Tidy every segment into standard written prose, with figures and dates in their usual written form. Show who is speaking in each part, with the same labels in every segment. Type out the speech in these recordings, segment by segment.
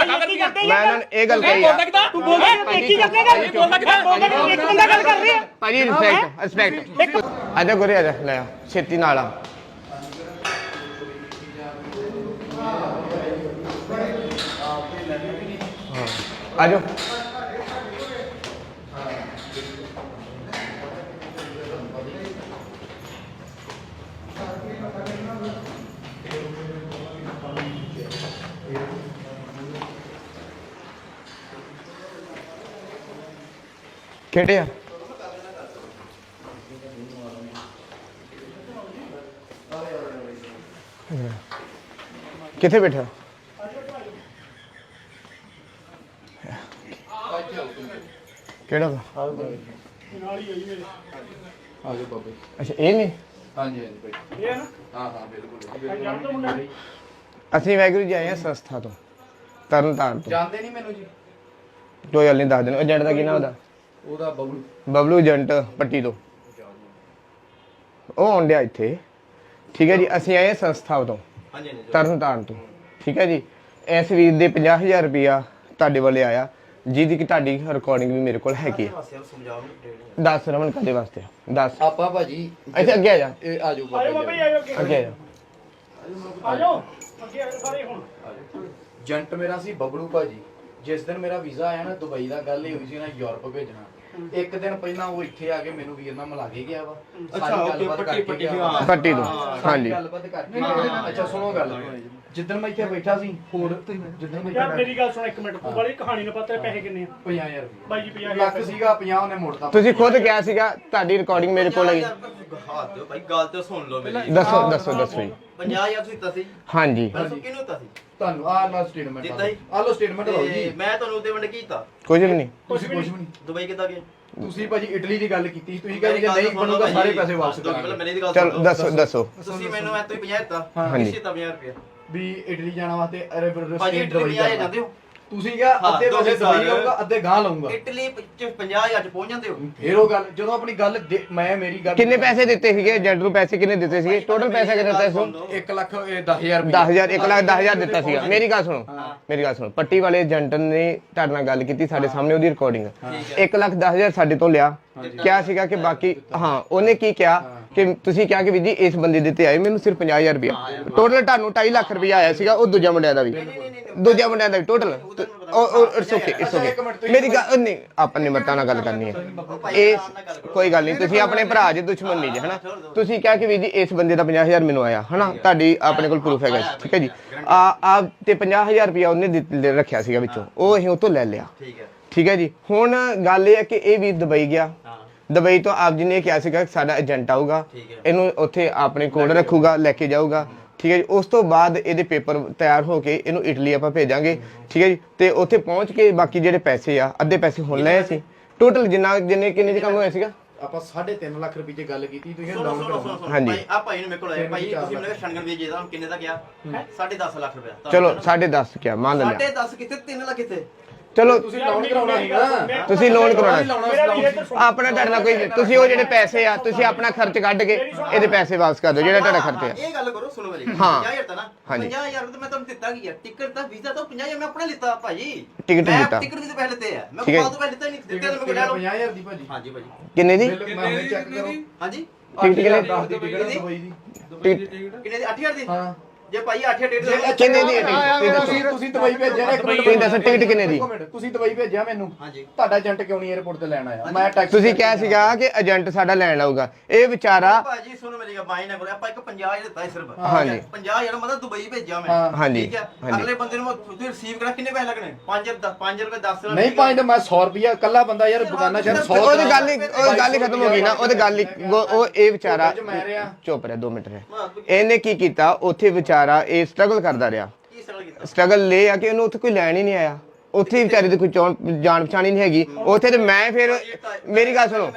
Speaker 1: ਮੈਂ ਇਹਨਾਂ ਨੂੰ ਇਹ ਗੱਲ ਕਹੀ ਆ
Speaker 2: ਤੂੰ ਬੋਲਦਾ ਕੀ ਕਰਨੇ ਗੱਲ ਬੋਲਦਾ ਕਿਦਾਂ ਇੱਕ ਬੰਦਾ ਗੱਲ ਕਰ ਰਿਹਾ
Speaker 1: ਭਾਜੀ ਰਿਸਪੈਕਟ ਆਜਾ ਗੁਰੇ ਆਜਾ ਲੈ ਆ ਛੇਤੀ ਨਾਲ ਆ ਆਜੋ ਕਿਹੜੇ ਆ ਕਿੱਥੇ ਬੈਠਾ ਕਿਹੜਾ
Speaker 3: ਆਜੋ ਬਾਬੇ
Speaker 1: ਅੱਛਾ ਇਹ ਨਹੀਂ
Speaker 3: ਹਾਂਜੀ ਹਾਂਜੀ ਭਾਈ ਇਹ ਹੈ ਨਾ ਹਾਂ ਬਿਲਕੁਲ
Speaker 1: ਅਸੀਂ ਵਾਹਿਗੁਰੂ ਜੀ ਆਏ ਆ ਸੰਸਥਾ ਤੋਂ ਤਰਨਤਾਰਨ ਤੋਂ
Speaker 3: ਜਾਣਦੇ ਨਹੀਂ ਮੈਨੂੰ ਜੀ
Speaker 1: ਕੋਈ ਗੱਲ ਨਹੀਂ ਦੱਸ ਦੇਣਾ ਏਜੰਟ ਦਾ ਕੀ ਨਾਮ
Speaker 3: ਉਹਦਾ
Speaker 1: ਬਬਲੂ ਏਜੰਟ ਪੱਟੀ ਤੋਂ ਉਹ ਆਉਂਦਿਆ ਇੱਥੇ ਠੀਕ ਹੈ ਜੀ ਅਸੀਂ ਆਏ ਸੰਸਥਾ ਤੋਂ ਤਰਨਤਾਰਨ ਤੋਂ ਠੀਕ ਹੈ ਜੀ ਇਸ ਵੀਰ ਦੇ 50,000 ਰੁਪਇਆ ਤੁਹਾਡੇ ਵੱਲੇ ਆਇਆ ਜਿਹਦੀ ਕਿ ਤੁਹਾਡੀ ਰਿਕਾਰਡਿੰਗ ਵੀ ਮੇਰੇ ਕੋਲ ਹੈਗੀ ਹੈ ਦੱਸ ਰਮਨ ਕਾਦੇ ਵਾਸਤੇ ਦੱਸ
Speaker 3: ਆਪਾਂ ਭਾਜੀ
Speaker 1: ਇੱਥੇ ਅੱਗੇ ਆ ਜਾ
Speaker 3: ਇਹ ਆਜੋ ਬਾਬੇ
Speaker 1: ਅੱਗੇ ਆ ਜਾ
Speaker 2: ਆਜੋ ਅੱਗੇ ਸਾਰੇ ਹੁਣ
Speaker 3: ਏਜੰਟ ਮੇਰਾ ਸੀ ਬਬਲੂ ਭਾਜੀ ਜਿਸ ਦਿਨ ਮੇਰਾ ਵੀਜ਼ਾ ਆਇਆ ਨਾ ਦੁਬਈ ਦਾ ਗੱਲ ਇਹ ਹੋਈ ਸੀ ਨਾ ਯੂਰਪ ਭੇਜਣਾ ਇੱਕ ਦਿਨ ਪਹਿਲਾਂ ਉਹ ਇੱਥੇ ਆ ਕੇ ਮੈਨੂੰ ਵੀਰ ਨਾਲ ਮਿਲਾ ਕੇ ਗਿਆ ਵਾ ਸਾਰੀ ਗੱਲਬਾਤ ਕਰਕੇ ਗਿਆ
Speaker 1: ਪੱਟੀ ਤੋਂ ਹਾਂਜੀ
Speaker 3: ਗੱਲਬਾਤ ਕਰਕੇ ਅੱਛਾ ਸੁਣੋ ਗੱਲ ਜਿੱਦਣ ਮੈਂ ਇੱਥੇ ਬੈਠਾ ਸੀ ਹੋਰ ਜਿੱਦਣ ਮੈਂ
Speaker 2: ਯਾਰ ਮੇਰੀ ਗੱਲ ਸੁਣ ਇੱਕ ਮਿੰਟ ਤੂੰ ਵਾਲੀ ਕਹਾਣੀ ਨੂੰ ਪਤਾ ਪੈਸੇ ਕਿੰਨੇ ਆ
Speaker 3: 50,000
Speaker 2: ਬਾਈ ਜੀ 50,000
Speaker 3: ਲੱਖ ਸੀਗਾ 50 ਉਹਨੇ ਮੋੜਤਾ
Speaker 1: ਤੁਸੀਂ ਖੁਦ ਕਿਹਾ ਸੀਗਾ ਤੁਹਾਡੀ ਰਿਕਾਰਡਿੰਗ ਮੇਰੇ ਕੋਲ ਹੈਗੀ
Speaker 4: ਹੱਥ ਦਿਓ ਭਾਈ ਗੱਲ ਤੇ ਸੁਣ ਲਓ ਮੇਰੀ
Speaker 1: ਦੱਸੋ ਜੀ
Speaker 4: 50,000 ਤੁਸੀਂ ਦਿੱਤਾ ਸੀ
Speaker 1: ਹਾਂਜੀ
Speaker 4: ਦੱਸੋ ਕਿਹਨੂੰ ਦਿੱਤਾ ਸੀ
Speaker 3: ਤੁਹਾਨੂੰ ਆਹ ਲੋ ਸਟੇਟਮੈਂਟ
Speaker 4: ਦਿੱਤਾ ਹੀ?
Speaker 3: ਆਹ ਲੋ ਸਟੇਟਮੈਂਟ ਲਓ ਜੀ
Speaker 4: ਮੈਂ ਤੁਹਾਨੂੰ ਉਹਦੇ ਵੰਡ ਕੀ ਕੀਤਾ
Speaker 1: ਕੁਝ ਵੀ ਨਹੀਂ
Speaker 3: ਤੁਸੀਂ ਕੁਝ ਵੀ ਨਹੀਂ
Speaker 4: ਦੁਬਈ ਕਿੱਦਾਂ ਗਏ
Speaker 3: ਤੁਸੀਂ ਭਾਜੀ ਇਟਲੀ ਦੀ ਗੱਲ ਕੀਤੀ ਤੁਸੀਂ ਕਹਿੰਦੇ ਜੇ ਨਹੀਂ ਬਣੂਗਾ ਸਾਰੇ ਪੈਸੇ ਵਾਪਸ ਕਰਾਂਗੇ
Speaker 4: ਮੇਰੀ ਦੀ ਗੱਲ
Speaker 1: ਚਲ
Speaker 4: ਸੁਣੋ
Speaker 1: ਦੱਸੋ
Speaker 4: ਤੁਸੀਂ ਮੈਨੂੰ ਐ ਤੋਂ 50 ਦਿੱਤਾ
Speaker 1: ਹਾਂਜੀ।
Speaker 4: ਕਿਸੇ ਤਾਂ 50 ਰੁਪਏ
Speaker 3: ਵੀ ਇਟਲੀ ਜਾਣ ਵਾਸਤੇ
Speaker 4: ਭਾਜੀ ਇਟਲੀ 50 ਜਾਂਦੇ ਹੋ
Speaker 3: ਤੁਸੀਂ ਕਿਹਾ ਅੱਧੇ ਪੈਸੇ ਦਵਾਈ ਲਊਗਾ ਅੱਧੇ ਗਾਂ ਲਊਗਾ
Speaker 4: ਇਟਲੀ 50,000 ਚ ਪਹੁੰਚ ਜਾਂਦੇ ਹੋ
Speaker 3: ਫੇਰ ਉਹ ਗੱਲ ਜਦੋਂ ਆਪਣੀ ਗੱਲ ਮੈਂ ਮੇਰੀ ਗੱਲ
Speaker 1: ਕਿੰਨੇ ਪੈਸੇ ਦਿੱਤੇ ਸੀਗੇ ਏਜੰਟ ਨੂੰ ਪੈਸੇ ਕਿੰਨੇ ਦਿੱਤੇ ਸੀਗੇ ਟੋਟਲ ਪੈਸਾ ਕਿੰਨਾ ਦਿੱਤਾ ਸੀ
Speaker 3: 1 ਲੱਖ 10,000 ਰੁਪਏ
Speaker 1: 10,000 1 ਲੱਖ 10,000 ਦਿੱਤਾ ਸੀਗਾ ਮੇਰੀ ਗੱਲ ਸੁਣੋ ਪੱਟੀ ਵਾਲੇ ਏਜੰਟ ਨੇ ਤੁਹਾਡੇ ਨਾਲ ਗੱਲ ਕੀਤੀ ਸਾਡੇ ਸਾਹਮਣੇ ਉਹਦੀ ਰਿਕਾਰਡਿੰਗ 1 ਲੱਖ 10,000 ਸਾਡੇ ਤੋਂ ਲਿਆ ਕਿਹਾ ਸੀਗਾ ਕਿ ਬਾਕੀ ਹਾਂ ਉਹਨੇ ਕੀ ਕਿਹਾ ਕਿ ਤੁਸੀਂ ਕਿਹਾ ਕਿ ਵੀ ਜੀ ਇਸ ਬੰਦੇ ਦੇ ਤੇ ਆਏ ਮੈਨੂੰ ਸਿਰਫ 50,000 ਰੁਪਇਆ ਟੋਟਲ ਤੁਹਾਨੂੰ 2.5 ਲੱਖ ਰੁਪਇਆ ਆਇਆ ਸੀਗਾ ਉਹ ਦੂਜਾ ਮੁੰਡਿਆਂ ਦਾ ਵੀ ਟੋਟਲ ਇਟਸ ਓਕੇ ਮੇਰੀ ਗੱਲ ਨਹੀਂ ਆਪਾਂ ਨਿਮਰਤਾ ਨਾਲ ਗੱਲ ਕਰਨੀ ਹੈ ਇਹ ਕੋਈ ਗੱਲ ਨਹੀਂ ਤੁਸੀਂ ਆਪਣੇ ਭਰਾ ਜੇ ਦੁਸ਼ਮਣ ਨਹੀਂ ਜੇ ਹਨਾ ਤੁਸੀਂ ਕਿਹਾ ਕਿ ਵੀ ਜੀ ਇਸ ਬੰਦੇ ਦਾ 50,000 ਮੈਨੂੰ ਆਇਆ ਹਨਾ ਤੁਹਾਡੀ ਆਪਣੇ ਕੋਲ ਪ੍ਰੂਫ ਹੈਗਾ ਠੀਕ ਹੈ ਜੀ ਆ ਤੇ 50,000 ਰੁਪਇਆ ਉਹਨੇ ਰੱਖਿਆ ਸੀਗਾ ਵਿੱਚੋਂ ਉਹ ਅਸੀਂ ਉਹ ਤੋਂ ਲੈ ਲਿਆ ਠੀਕ ਹੈ ਜੀ ਹੁਣ ਗੱਲ ਇਹ ਹੈ ਕਿ ਇਹ ਵੀ ਦੁਬਈ ਗਿਆ ਦੁਬਈ ਤੋਂ ਆਪ ਜੀ ਨੇ ਕਿਹਾ ਸੀਗਾ ਕਿ ਸਾਡਾ ਏਜੰਟ ਆਊਗਾ ਇਹਨੂੰ ਉੱਥੇ ਆਪਣੇ ਕੋਲ ਰੱਖੂਗਾ ਲੈ ਕੇ ਜਾਊਗਾ ਠੀਕ ਹੈ ਜੀ ਉਸ ਤੋਂ ਬਾਅਦ ਇਹਦੇ ਪੇਪਰ ਤਿਆਰ ਹੋ ਕੇ ਇਹਨੂੰ ਇਟਲੀ ਆਪਾਂ ਭੇਜਾਂਗੇ ਠੀਕ ਹੈ ਜੀ ਤੇ ਉੱਥੇ ਪਹੁੰਚ ਕੇ ਬਾਕੀ ਜਿਹੜੇ ਪੈਸੇ ਆ ਅੱਧੇ ਪੈਸੇ ਹੁਣ ਲਏ ਸੀ ਟੋਟਲ ਜਿੰਨੇ ਕਿੰਨੇ ਚ ਕੰਮ ਹੋਇਆ ਸੀਗਾ
Speaker 3: ਆਪਾਂ 3.5 ਲੱਖ ਰੁਪਏ ਦੀ ਗੱਲ ਕੀਤੀ ਤੁਸੀਂ ਡਾਊਨ ਕਰੋ
Speaker 1: ਹਾਂਜੀ
Speaker 4: ਆ ਭਾਈ ਨੂੰ ਮੇਰੇ ਕੋਲ ਆਇਆ ਭਾਈ ਤੁਸੀਂ ਮੈਨੂੰ ਸ਼ਣਗਣ ਵੀ ਜੇ ਦਾ ਕਿੰਨੇ ਦਾ ਗਿਆ 10.5 ਲੱਖ ਰੁਪਏ
Speaker 1: ਚਲੋ 10.5 ਕਿਆ ਮੰਨ ਲਿਆ
Speaker 4: 10.5 ਕਿੱਥੇ 3 ਲੱਖ ਕਿੱਥੇ
Speaker 1: ਚਲੋ
Speaker 3: ਤੁਸੀਂ ਲੋਨ ਕਰਾਉਣਾ ਸੀਗਾ
Speaker 1: ਤੁਸੀਂ ਲੋਨ ਕਰਾਉਣਾ ਆਪਣਾ ਤੁਹਾਡਾ ਕੋਈ ਤੁਸੀਂ ਉਹ ਜਿਹੜੇ ਪੈਸੇ ਆ ਤੁਸੀਂ ਆਪਣਾ ਖਰਚ ਕੱਢ ਕੇ ਇਹਦੇ ਪੈਸੇ ਵਾਪਸ ਕਰ ਦਿਓ ਜਿਹੜਾ ਤੁਹਾਡਾ ਖਰਚ ਆ
Speaker 4: ਇਹ ਗੱਲ ਕਰੋ ਸੁਣੋ ਮੇਰੀ
Speaker 1: ਹਾਂ
Speaker 4: 50,000 ਤਾਂ ਨਾ
Speaker 1: ਹਾਂਜੀ
Speaker 4: 50,000 ਤਾਂ ਮੈਂ ਤੁਹਾਨੂੰ ਦਿੱਤਾ ਕੀ ਆ ਟਿਕਟ ਤਾਂ ਵੀਜ਼ਾ ਤਾਂ 50,000 ਮੈਂ ਆਪਣਾ ਲਿੱਤਾ ਭਾਜੀ
Speaker 1: ਟਿਕਟ ਦਿੱਤਾ
Speaker 4: ਟਿਕਟ ਵੀ ਤਾਂ ਪਹਿਲੇ ਤੇ ਆ ਮੈਂ
Speaker 1: ਠੀਕ ਹੈ।
Speaker 4: ਬਾਅਦ ਤੋਂ ਪਹਿਲੇ ਲਿੱਤਾ ਨਹੀਂ ਦਿੱਤੇ ਤਾਂ ਮੈਂ ਲੈ ਲਓ
Speaker 3: 50,000 ਦੀ ਭਾਜੀ
Speaker 4: ਹਾਂਜੀ ਭਾਜੀ
Speaker 1: ਕਿੰਨੇ ਦੀ
Speaker 3: ਮੈਂ ਹੁਣੇ ਚੈੱਕ ਕਰੋ
Speaker 4: ਹਾਂਜੀ
Speaker 1: ਟਿਕਟ ਕਿੰਨੇ
Speaker 3: 10 ਦੀ ਟਿਕਟ ਦੁਬਈ ਦੀ
Speaker 4: ਕਿੰਨੇ ਦੀ 8,000 ਦੀ
Speaker 3: ਹਾਂ
Speaker 4: ਜੇ ਭਾਈ 8,000 ਟਿਕਟ ਦੇ
Speaker 1: ਕਿੰਨੇ ਦੀ ਹੈ ਟਿਕਟ
Speaker 3: ਤੁਸੀਂ ਦੁਬਈ ਭੇਜਿਆ ਨਾ ਇੱਕ ਮਿੰਟ
Speaker 1: ਤੁਸੀਂ ਦੱਸੋ ਟਿਕਟ ਕਿੰਨੇ ਦੀ
Speaker 3: ਤੁਸੀਂ ਦੁਬਈ ਭੇਜਿਆ ਮੈਨੂੰ
Speaker 4: ਹਾਂਜੀ
Speaker 3: ਤੁਹਾਡਾ ਏਜੰਟ ਕਿਉਂ ਨਹੀਂ 에어ਪੋਰਟ ਤੇ ਲੈਣ ਆਇਆ ਮੈਂ ਟੈਕਸੀ
Speaker 1: ਤੁਸੀਂ ਕਿਹਾ ਸੀਗਾ ਕਿ ਏਜੰਟ ਸਾਡਾ ਲੈਣ ਆਊਗਾ ਇਹ ਵਿਚਾਰਾ
Speaker 4: ਭਾਜੀ ਸੁਣੋ ਮੇਰੀ ਗੱਲ ਬਾਈ ਨਾ ਕਰੋ ਆਪਾਂ ਇੱਕ 50,000 ਦਿੱਤਾ ਸੀ ਸਿਰਫ
Speaker 1: ਹਾਂਜੀ
Speaker 4: 50,000 ਮਤਲਬ ਦੁਬਈ ਭੇਜਿਆ ਮੈਂ
Speaker 1: ਹਾਂਜੀ
Speaker 4: ਠੀਕ ਹੈ ਅਗਲੇ ਬੰਦੇ ਨੂੰ ਤੁਸੀਂ ਰਿਸੀਵ ਕਰਾ ਕਿੰਨੇ ਪੈਸੇ ਲੱਗਣੇ 5 ਰੁਪਏ 10
Speaker 3: ਨਹੀਂ ਪੰਜ ਮੈਂ 100 ਰੁਪਿਆ ਕੱਲਾ ਬੰਦਾ ਯਾਰ ਬਗਾਨਾ ਸ਼ਹਿਰ 100
Speaker 1: ਉਹਦੀ ਗੱਲ ਹੀ ਖਤਮ ਹੋ ਗਈ ਨਾ ਉਹਦੀ ਗੱਲ ਹੀ ਉਹ ਇਹ ਵਿਚਾਰਾ ਚੁੱਪ ਰਿਹਾ 2 ਮਿੰਟ ਰਿਹਾ ਇਹਨੇ ਕੀ ਕੀਤਾ ਉੱਥੇ ਵਿਚਾਰਾ ਇਹ ਸਟਰਗਲ ਕਰਦਾ ਰਿਹਾ ਸਟਰਗਲ ਲੈ ਆ ਕਿ ਇਹਨੂੰ ਉੱਥੇ ਕੋਈ ਲੈਣ ਹੀ ਨਹੀਂ ਆਇਆ ਉੱਥੇ ਵਿਚਾਰੇ ਦੀ ਕੋਈ ਜਾਣ ਪਛਾਣ ਹੀ ਨਹੀਂ ਹੈਗੀ ਉੱਥੇ ਤੇ ਮੈਂ ਫਿਰ ਮੇਰੀ